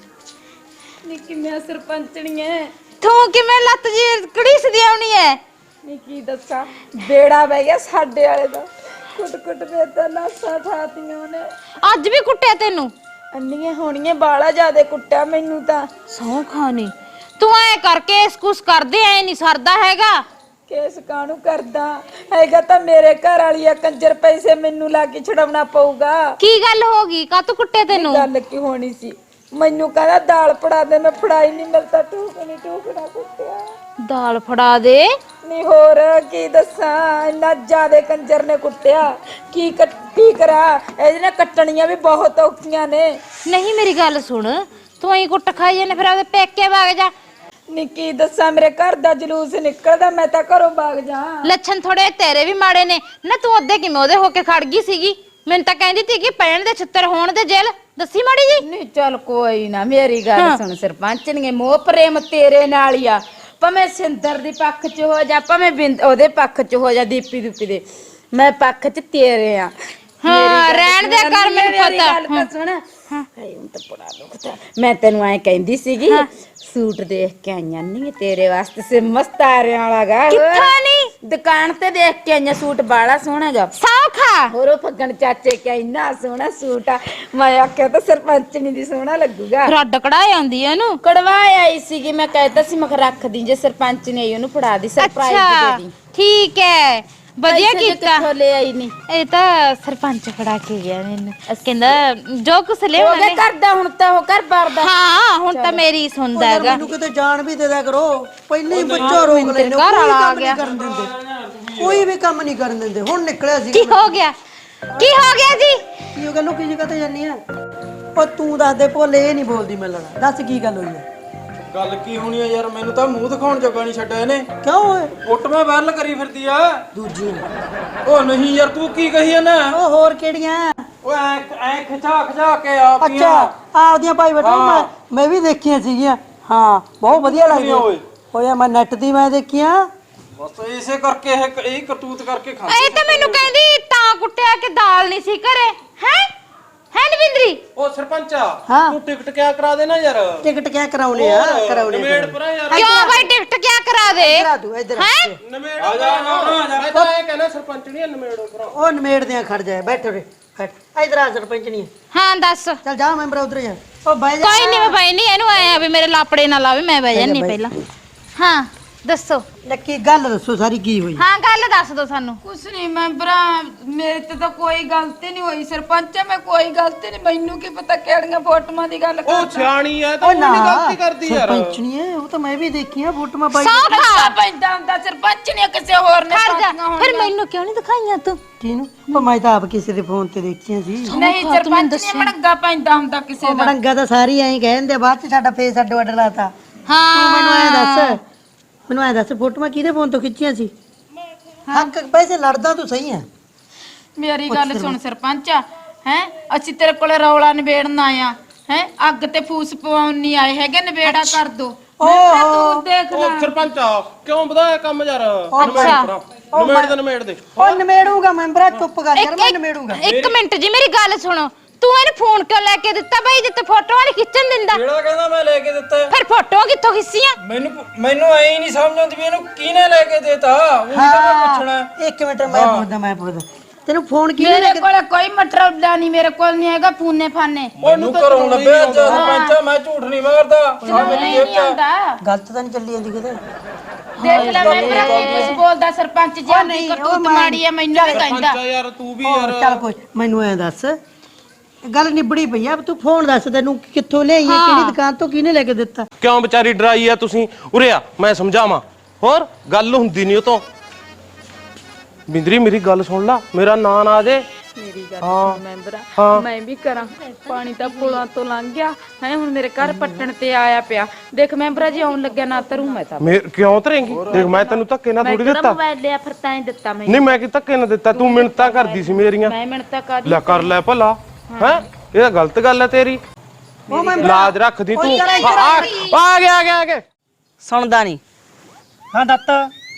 S6: ਨੀ ਕਿਵੇਂ ਸਰਪੰਚਣੀ ਐ
S7: ਤੂੰ ਕਿਵੇਂ ਲੱਤ ਜੀ ਕੜੀਸਦੀ ਆਉਣੀ ਐ?
S8: ਨੀ ਕੀ ਦੱਸਾਂ, ਬੇੜਾ ਬਹਿ ਗਿਆ ਸਾਡੇ ਵਾਲੇ ਦਾ। ਕੁੱਟ ਕੇ ਤਾਂ ਨਾਸਾਂ ਠਾਤੀਆਂ ਨੇ।
S7: ਅੱਜ ਵੀ ਕੁੱਟਿਆ ਤੈਨੂੰ?
S8: ਅੰਨੀਆਂ ਹੋਣੀਆਂ, ਬਾਲਾ ਜ਼ਿਆਦੇ ਕੁੱਟਿਆ ਮੈਨੂੰ ਤਾਂ।
S7: ਸੌ ਖਾਣੀ ਤੂੰ ਐ ਕਰਕੇ ਇਸ ਕੁਛ ਕਰਦੇ ਐ ਨਹੀਂ ਸਰਦਾ ਹੈਗਾ।
S8: ਕੇਸ ਕਾਹਨੂੰ ਕਰਦਾ ਹੈਗਾ, ਤਾਂ ਮੇਰੇ ਘਰ ਵਾਲੀ ਆ ਕੰਜਰ, ਪੈਸੇ ਮੈਨੂੰ ਲਾ ਕੇ ਛਡਾਉਣਾ ਪਊਗਾ।
S7: ਕੀ ਗੱਲ ਹੋ ਗਈ? ਕਾਹਤੋਂ ਕੁੱਟਿਆ ਤੈਨੂੰ?
S8: ਗੱਲ ਕੀ ਹੋਣੀ ਸੀ, ਮੈਨੂੰ ਕਹਿੰਦਾ ਦਾਲ ਫੜਾ ਦੇ, ਮੈਂ ਫੜਾਈ ਨਹੀਂ, ਮਿਲਦਾ ਟੂਕਣਾ ਕੁੱਟਿਆ।
S7: ਦਾਲ ਫੜਾ ਦੇ?
S8: ਨਹੀਂ ਹੋਰ ਕੀ ਦੱਸਾਂ, ਇੰਨਾ ਜ਼ਿਆਦੇ ਕੰਜਰ ਨੇ ਕੁੱਟਿਆ। ਕੀ ਕਰਾਂ, ਇਹਦੇ ਨਾਲ ਕੱਟਣੀਆਂ ਵੀ ਬਹੁਤ ਔਖੀਆਂ ਨੇ।
S7: ਨਹੀਂ ਮੇਰੀ ਗੱਲ ਸੁਣ, ਤੂੰ ਐਂ ਕੁੱਟ ਖਾਈ ਜਾਂਦੇ, ਫਿਰ ਆਪਦੇ ਪੇਕੇ ਵਗ ਜਾ।
S8: ਨੀ ਕੀ ਦੱਸਾਂ, ਮੇਰੇ ਘਰ ਦਾ ਜਲੂਸ ਨਿਕਲਦਾ, ਮੈਂ ਤਾਂ ਘਰੋਂ ਭਾਗ ਜਾ।
S7: ਲੱਛਣ ਥੋੜੇ ਤੇਰੇ ਵੀ ਮਾੜੇ ਨੇ ਨਾ। ਤੂੰ ਅੱਧੇ ਕਿਵੇਂ ਉਹਦੇ ਹੋ ਕੇ ਖੜ ਗਈ ਸੀਗੀ? ਮੈਨੂੰ ਤਾਂ ਕਹਿੰਦੀ ਸੀ ਕਿ ਪੈਣ ਦੇ ਛਿੱਤਰ ਹੋਣ ਦੇ ਜੇਲ। ਦੱਸੀ ਮਾੜੀ ਜੀ।
S8: ਨਹੀਂ ਚੱਲ ਕੋਈ ਨਾ, ਮੇਰੀ ਗੱਲ ਸੁਣ ਸਰਪੰਚ ਨੇ, ਮੋਹ ਪ੍ਰੇਮ ਤੇਰੇ ਨਾਲ ਹੀ ਆ। ਭਾਵੇਂ ਸਿੰਦਰ ਦੀ ਪੱਖ 'ਚ ਹੋ ਜਾ, ਭਾਵੇਂ ਉਹਦੇ ਪੱਖ 'ਚ ਹੋ ਜਾ, ਦੀਪੀ ਦੇ, ਮੈਂ ਪੱਖ 'ਚ ਤੇਰੇ ਆ।
S7: ਹਾਂ ਰਹਿਣ ਦੇ ਕਰ, ਮੈਨੂੰ ਪਤਾ।
S8: ਗੱਲ ਤਾਂ ਸੁਣ, ਹਾਏ ਹੁਣ ਤਾਂ ਬੜਾ ਦੁਖਦਾ। ਮੈਂ ਤੈਨੂੰ ਐ ਕਹਿੰਦੀ ਸੀਗੀ, ਸੂਟ ਦੇਖ ਕੇ ਆਈਆਂ ਨਹੀਂ ਤੇਰੇ ਵਾਸਤੇ, ਸੇ ਮਸਤਾਰਿਆਂ ਵਾਲਾ ਗਾ।
S7: ਕਿੱਥੋਂ ਨਹੀਂ?
S8: ਦੁਕਾਨ ਤੇ ਦੇਖ ਕੇ ਆਈਆਂ, ਸੂਟ ਬਾਲਾ ਸੋਹਣਾ ਗਾ।
S7: ਸੌਖਾ
S8: ਹੋਰ ਉਹ ਫੱਗਣ ਚਾਚੇ ਕਿ ਇੰਨਾ ਸੋਹਣਾ ਸੂਟ ਆ। ਮੈਂ ਆਖਿਆ ਤਾਂ ਸਰਪੰਚਣੀ ਦੀ ਸੋਹਣਾ ਲੱਗੂਗਾ।
S7: ਰੱਡ ਕਢਾ ਆਉਂਦੀ ਐ ਇਹਨੂੰ।
S8: ਕੜਵਾ ਆਈ ਸੀਗੀ, ਮੈਂ ਕਹਿਤਾ ਸੀ ਮੈਂ ਰੱਖ ਦੀ, ਜੇ ਸਰਪੰਚ ਨੇ ਆਈ ਉਹਨੂੰ ਫੜਾ ਦੀ, ਸਰਪ੍ਰਾਈਜ਼ ਦੇ ਦੀ।
S7: ਠੀਕ ਹੈ, ਵਧੀਆ ਕੀਤਾ।
S8: ਕਿੱਥੋਂ ਲੈ ਆਈ ਨਹੀਂ?
S7: ਇਹ ਤਾਂ ਸਰਪੰਚ ਫੜਾ ਕੇ ਗਿਆ ਮੈਨੂੰ। ਕਹਿੰਦਾ ਜੋ ਕੁਛ ਲਿਆਉਣਾ
S8: ਉਹਦੇ ਘਰ ਦਾ ਹੁਣ ਤਾਂ ਉਹ ਘਰ ਬਾਰ ਦਾ।
S7: ਹਾਂ ਹੁਣ ਤਾਂ ਮੇਰੀ ਸੁਣਦਾ ਹੈਗਾ।
S1: ਮੈਨੂੰ ਕਿਤੇ ਜਾਣ ਵੀ ਦੇ ਦਿਆ ਕਰੋ, ਪਹਿਲਾਂ ਹੀ ਬੱਚਾ ਰੋਕ ਲੈਂਦੇ ਹੋ। ਕੋਈ ਕੰਮ ਨਹੀਂ ਕਰਨ ਦਿੰਦੇ, ਕੋਈ ਵੀ ਕੰਮ ਨਹੀਂ ਕਰਨ ਦਿੰਦੇ। ਹੁਣ ਨਿਕਲਿਆ ਸੀ।
S7: ਕੀ ਹੋ ਗਿਆ? ਕੀ ਹੋ ਗਿਆ ਜੀ?
S1: ਕੀ ਹੋ ਗਿਆ? ਲੁਕੀ ਜਗ੍ਹਾ ਤੇ ਜਾਨੀ ਆ। ਉਹ ਤੂੰ ਦੱਸ ਦੇ ਭੋਲੇ, ਇਹ ਨਹੀਂ ਬੋਲਦੀ ਮੈਂ ਲੜਾ। ਦੱਸ ਕੀ ਗੱਲ ਹੋਈ ਹੈ?
S2: ਗੱਲ ਕੀ ਹੋਣੀ ਆ ਯਾਰ, ਮੈਨੂੰ ਤਾਂ ਮੂੰਹ ਦਿਖਾਉਣ ਜੋਗਾ ਨਹੀਂ ਛੱਡਿਆ ਇਹਨੇ।
S1: ਕਿਉਂ ਓਏ
S2: ਫੋਟੋਆਂ ਵਾਇਰਲ ਕਰੀ ਫਿਰਦੀ ਆ।
S1: ਦੂਜੀ
S2: ਉਹ ਨਹੀਂ ਯਾਰ, ਤੂੰ ਕੀ ਕਹੀ ਜਾਂਦਾ?
S1: ਉਹ ਹੋਰ ਕਿਹੜੀਆਂ?
S2: ਓਏ ਐ ਖਿਚਾ ਖਿਚਾ ਕੇ ਆਪੀਆਂ।
S1: ਅੱਛਾ ਆਪਦੀਆਂ ਭਾਈ ਬੇਟਾ ਮੈਂ ਵੀ ਦੇਖੀਆਂ ਸੀਗੀਆਂ। ਹਾਂ ਬਹੁਤ ਵਧੀਆ ਲੱਗਦੀਆਂ
S2: ਓਏ।
S1: ਓਏ ਮੈਂ ਨੈਟ ਦੀ ਮੈਂ ਦੇਖੀਆਂ।
S2: ਬਸ ਇਸੇ ਕਰਕੇ ਇਹ ਕਰਤੂਤ ਕਰਕੇ ਖਾ
S7: ਇਹ ਤਾਂ ਮੈਨੂੰ ਕਹਿੰਦੀ ਤਾਂ ਕੁੱਟਿਆ ਕਿ ਦਾਲ ਨਹੀਂ ਸੀ ਘਰੇ ਹੈ ਨਵਿੰਦਰੀ।
S2: ਉਹ ਸਰਪੰਚਾ,
S1: ਹਾਂ।
S2: ਤੂੰ ਟਿਕਟ ਕਿਆ ਕਰਾ ਦੇਣਾ ਯਾਰ।
S1: ਟਿਕਟ ਕਿਆ ਕਰਾਉਣੇ ਆ? ਕਰਾਉਣੇ
S2: ਨਵੇੜ ਪਰਾਂ ਯਾਰ।
S7: ਕਿਉਂ ਭਾਈ ਟਿਕਟ ਕਿਆ ਕਰਾ ਦੇ
S1: ਕਰਾ ਦੂ ਇੱਧਰ
S7: ਹੈ
S2: ਨਵੇੜ ਆ ਜਾ ਮੈਂ ਤਾਂ ਇਹ ਕਹਿੰਦਾ ਸਰਪੰਚ ਨਹੀਂ ਨਵੇੜੋ ਪਰਾਂ।
S1: ਉਹ ਨਿਮੇੜਦੇ ਆ, ਖੜ ਜਾ ਬੈਠੋ ਰੇ ਬੈਠ ਇੱਧਰ ਆ ਸਰਪੰਚ ਨਹੀਂ
S7: ਹਾਂ ਦੱਸ
S1: ਚੱਲ ਜਾ ਮੈਂਬਰ ਉਧਰ ਜਾ। ਉਹ ਬਹਿ ਜਾ
S7: ਕੋਈ ਨਹੀਂ ਮੈਂ ਬਈ ਨਹੀਂ ਇਹਨੂੰ ਆਇਆ ਵੀ ਮੇਰੇ ਲਾਪੜੇ ਨਾ ਲਾਵੇ ਮੈਂ ਬਹਿ ਜਾਨੀ ਪਹਿਲਾਂ ਹਾਂ ਦੱਸੋ
S1: ਲੱਕੀ ਗੱਲ ਦੱਸੋ ਸਾਰੀ ਕੀ ਹੋਈ?
S7: ਹਾਂ ਗੱਲ ਦੱਸ ਦੋ ਸਾਨੂੰ
S8: ਕੁਛ ਨਹੀਂ ਮੈਂਬਰਾ, ਮੇਰੇ ਤੇ ਤਾਂ ਕੋਈ ਗਲਤੀ ਨਹੀਂ ਹੋਈ ਸਰਪੰਚ, ਮੈਂ ਕੋਈ ਗਲਤੀ ਨਹੀਂ, ਮੈਨੂੰ ਕੀ ਪਤਾ ਕਿਹੜੀਆਂ ਫੋਟੋਆਂ ਦੀ ਗੱਲ
S5: ਉਹ ਸਿਆਣੀ ਐ ਤਾਂ ਉਹ
S1: ਨਾ
S5: ਨਹੀਂ ਗਲਤੀ ਕਰਦੀ ਯਾਰ।
S1: ਸਰਪੰਚ ਨਹੀਂ ਹੈ ਉਹ ਤਾਂ ਮੈਂ ਵੀ ਦੇਖੀਆਂ ਫੋਟੋਆਂ ਪਾਈ।
S7: ਸੌਖਾ
S8: ਪੈਂਦਾ ਹੁੰਦਾ ਸਰਪੰਚ ਨੇ ਕਿਸੇ ਹੋਰ ਨੇ
S7: ਖੜ ਜਾ
S8: ਪਾਈਆਂ
S7: ਫਿਰ ਮੈਨੂੰ ਕਿਉਂ ਨਹੀਂ ਦਿਖਾਈਆਂ ਤੂੰ
S1: ਕਿਹਨੂੰ? ਉਹ ਮੈਂ ਤਾਂ ਆਪ ਕਿਸੇ ਦੇ ਫੋਨ ਤੇ ਦੇਖੀਆਂ ਸੀ।
S8: ਨਹੀਂ ਸਰਪੰਚ ਨੇ ਮੜੰਗਾ ਪੈਂਦਾ ਹੁੰਦਾ ਕਿਸੇ
S1: ਉਹ
S8: ਦਾ।
S1: ਮੜੰਗਾ ਤਾਂ ਸਾਰੀ ਐਂ ਕਹਿੰਦੇ, ਬਾਅਦ ਚ ਸਾਡਾ ਫੇਸ ਅੱਡੋ ਅੱਡ ਲਾਤਾ।
S7: ਹਾਂ
S1: ਮੈਨੂੰ ਐ ਦੱਸ ਫੋਟੋਆਂ ਕਿਹਦੇ ਫੋਨ ਤੋਂ ਖਿੱਚੀਆਂ ਸੀ? ਹੱਕ ਪੈਸੇ ਲੜਦਾ ਤੂੰ ਸਹੀ ਹੈ।
S8: ਮੇਰੀ ਗੱਲ ਸੁਣ ਸਰਪੰਚ, ਹੈ ਅਸੀਂ ਤੇਰੇ ਕੋਲੇ ਰੌਲਾ ਨਿਬੇੜਨ ਆਇਆ ਹੈ, ਅੱਗ ਤੇ ਫੂਸ ਪਵਾਉਣ ਨਹੀਂ ਆਏ ਹੈਗੇ, ਨਿਬੇੜਾ ਕਰ ਦੋ। ਤੂੰ ਦੇਖ ਲੈ
S5: ਉਹ ਸਰਪੰਚਾ ਕਿਉਂ ਵਧਾਇਆ ਕੰਮ ਯਾਰ। ਨਵੇੜ ਦੇ
S1: ਉਹ ਨਿਮੇੜੂਗਾ ਮੈਂਬਰਾ, ਚੁੱਪ ਕਰ ਯਾਰ, ਮੈਂ ਨਿਮੇੜੂਗਾ।
S7: ਇੱਕ ਮਿੰਟ ਜੀ ਮੇਰੀ ਗੱਲ ਸੁਣੋ ਤੂੰ ਇਹਨੂੰ ਫੋਨ ਕਿਉਂ ਲੈ ਕੇ ਦਿੱਤਾ ਬਈ ਜਿੱਤੇ ਫੋਟੋਆਂ ਨਹੀਂ ਖਿੱਚਣ ਦਿੰਦਾ?
S2: ਕਿਹੜਾ ਕਹਿੰਦਾ ਮੈਂ ਲੈ ਕੇ ਦਿੱਤਾ?
S7: ਫਿਰ ਫੋਟੋਆਂ ਕਿੱਥੋਂ ਖਿੱਚੀਆਂ?
S2: ਮੈਨੂੰ ਐ ਹੀ ਨਹੀਂ ਸਮਝ ਆਉਂਦੀ ਵੀ ਇਹਨੂੰ ਕਿਹਨੇ ਲੈ ਕੇ ਦੇਤਾ। ਉਹ ਤਾਂ ਪੁੱਛਣਾ।
S1: ਇੱਕ ਮਿੰਟ ਮੈਂ ਪੁੱਛਦਾ ਤੈਨੂੰ ਫੋਨ ਕਿਹਨੇ ਲੈ
S8: ਮੇਰੇ
S1: ਕੇ?
S8: ਕੋਲ ਕੋਈ ਮਟਰੌਲਾ ਨਹੀਂ, ਮੇਰੇ ਕੋਲ ਨਹੀਂ ਹੈਗਾ ਫੂਨੇ ਫਾਨੇ।
S2: ਮੈਨੂੰ ਘਰੋਂ ਲੱਭਿਆ ਸਰਪੰਚਾ, ਮੈਂ ਝੂਠ ਨਹੀਂ ਮਾਰਦਾ। ਆ ਮੇਰੀ ਜੇਬ ਚ
S8: ਆਉਂਦਾ
S1: ਗਲਤ ਤਾਂ ਨਹੀਂ ਚੱਲੀ ਜਾਂਦੀ ਕਿਤੇ?
S8: ਦੇਖ ਲੈ ਮੈਂ ਕੁਝ ਬੋਲਦਾ ਸਰਪੰਚ ਜੀ, ਆਪਣੀ ਕਰਤੂਤ ਮਾੜੀ ਹੈ ਮੈਨੂੰ ਵੀ ਕਹਿੰਦਾ।
S5: ਸਰਪੰਚਾ ਯਾਰ ਤੂੰ ਵੀ
S1: ਹੋਰ ਚੱਲ ਕੋਈ ਮੈਨੂੰ ਐ ਦੱਸ, ਗੱਲ ਨਿਬੜੀ ਪਈ ਆ, ਤੂੰ ਫੋਨ ਦੱਸ ਤੈਨੂੰ ਕਿੱਥੋਂ ਲਿਆਈਏ, ਕਿਹੜੀ ਦੁਕਾਨ ਤੋਂ, ਕਿਹਨੇ ਲੈ ਕੇ ਦਿੱਤਾ?
S5: ਕਿਉਂ ਵਿਚਾਰੀ ਡਰਾਈ ਆ ਤੁਸੀਂ? ਉਰੇ ਆ ਮੈਂ ਸਮਝਾਵਾਂ। ਹੋਰ ਗੱਲ ਹੁੰਦੀ ਨਹੀਂ ਉਹ ਤੋਂ। ਬਿੰਦਰੀ ਮੇਰੀ ਗੱਲ ਸੁਣ ਲਾ, ਮੇਰਾ ਨਾਂ ਨਾ ਆ ਜੇ।
S8: ਮੇਰੀ ਗੱਲ ਸੁਣ ਮੈਂਬਰਾ, ਮੈਂ ਵੀ ਕਰਾਂ, ਪਾਣੀ ਤਾਂ ਪੁਲਾਂ ਤੋਂ ਲੰਘ ਗਿਆ ਹੈ, ਹੁਣ ਮੇਰੇ ਘਰ ਪੱਟਣ ਤੇ ਆਇਆ ਪਿਆ। ਦੇਖ ਮੈਂਬਰਾ ਜੀ ਆਉਣ ਲੱਗਿਆ ਨਾ ਤਰੂੰ ਮੈਂ ਤਾਂ।
S5: ਕਿਉਂ ਧਰੇਂਗੀ? ਦੇਖ ਮੈਂ ਤੈਨੂੰ ਧੱਕੇ ਨਾਲ ਥੋੜੀ ਦਿੱਤਾ।
S8: ਮੋਬਾਈਲ ਲਿਆ ਫਿਰ ਤਾਂ ਹੀ ਦਿੱਤਾ ਮੈਂ।
S5: ਨਹੀਂ ਮੈਂ ਕਿ ਧੱਕੇ ਨਾਲ ਦਿੱਤਾ, ਤੂੰ ਮਿੰਨਤਾਂ ਕਰਦੀ ਸੀ ਮੇਰੀਆਂ।
S8: ਮੈਂ ਮਿੰਟਾਂ ਕਰ
S5: ਲੈ ਕਰ ਲੈ ਭਲਾ ਹੈ, ਇਹ ਤਾਂ ਗਲਤ ਗੱਲ ਹੈ ਤੇਰੀ। ਲਾਜ ਰੱਖਦੀ ਤੂੰ। ਆ ਗਿਆ
S9: ਸੁਣਦਾ ਨਹੀਂ।
S3: ਹਾਂ ਦੱਤ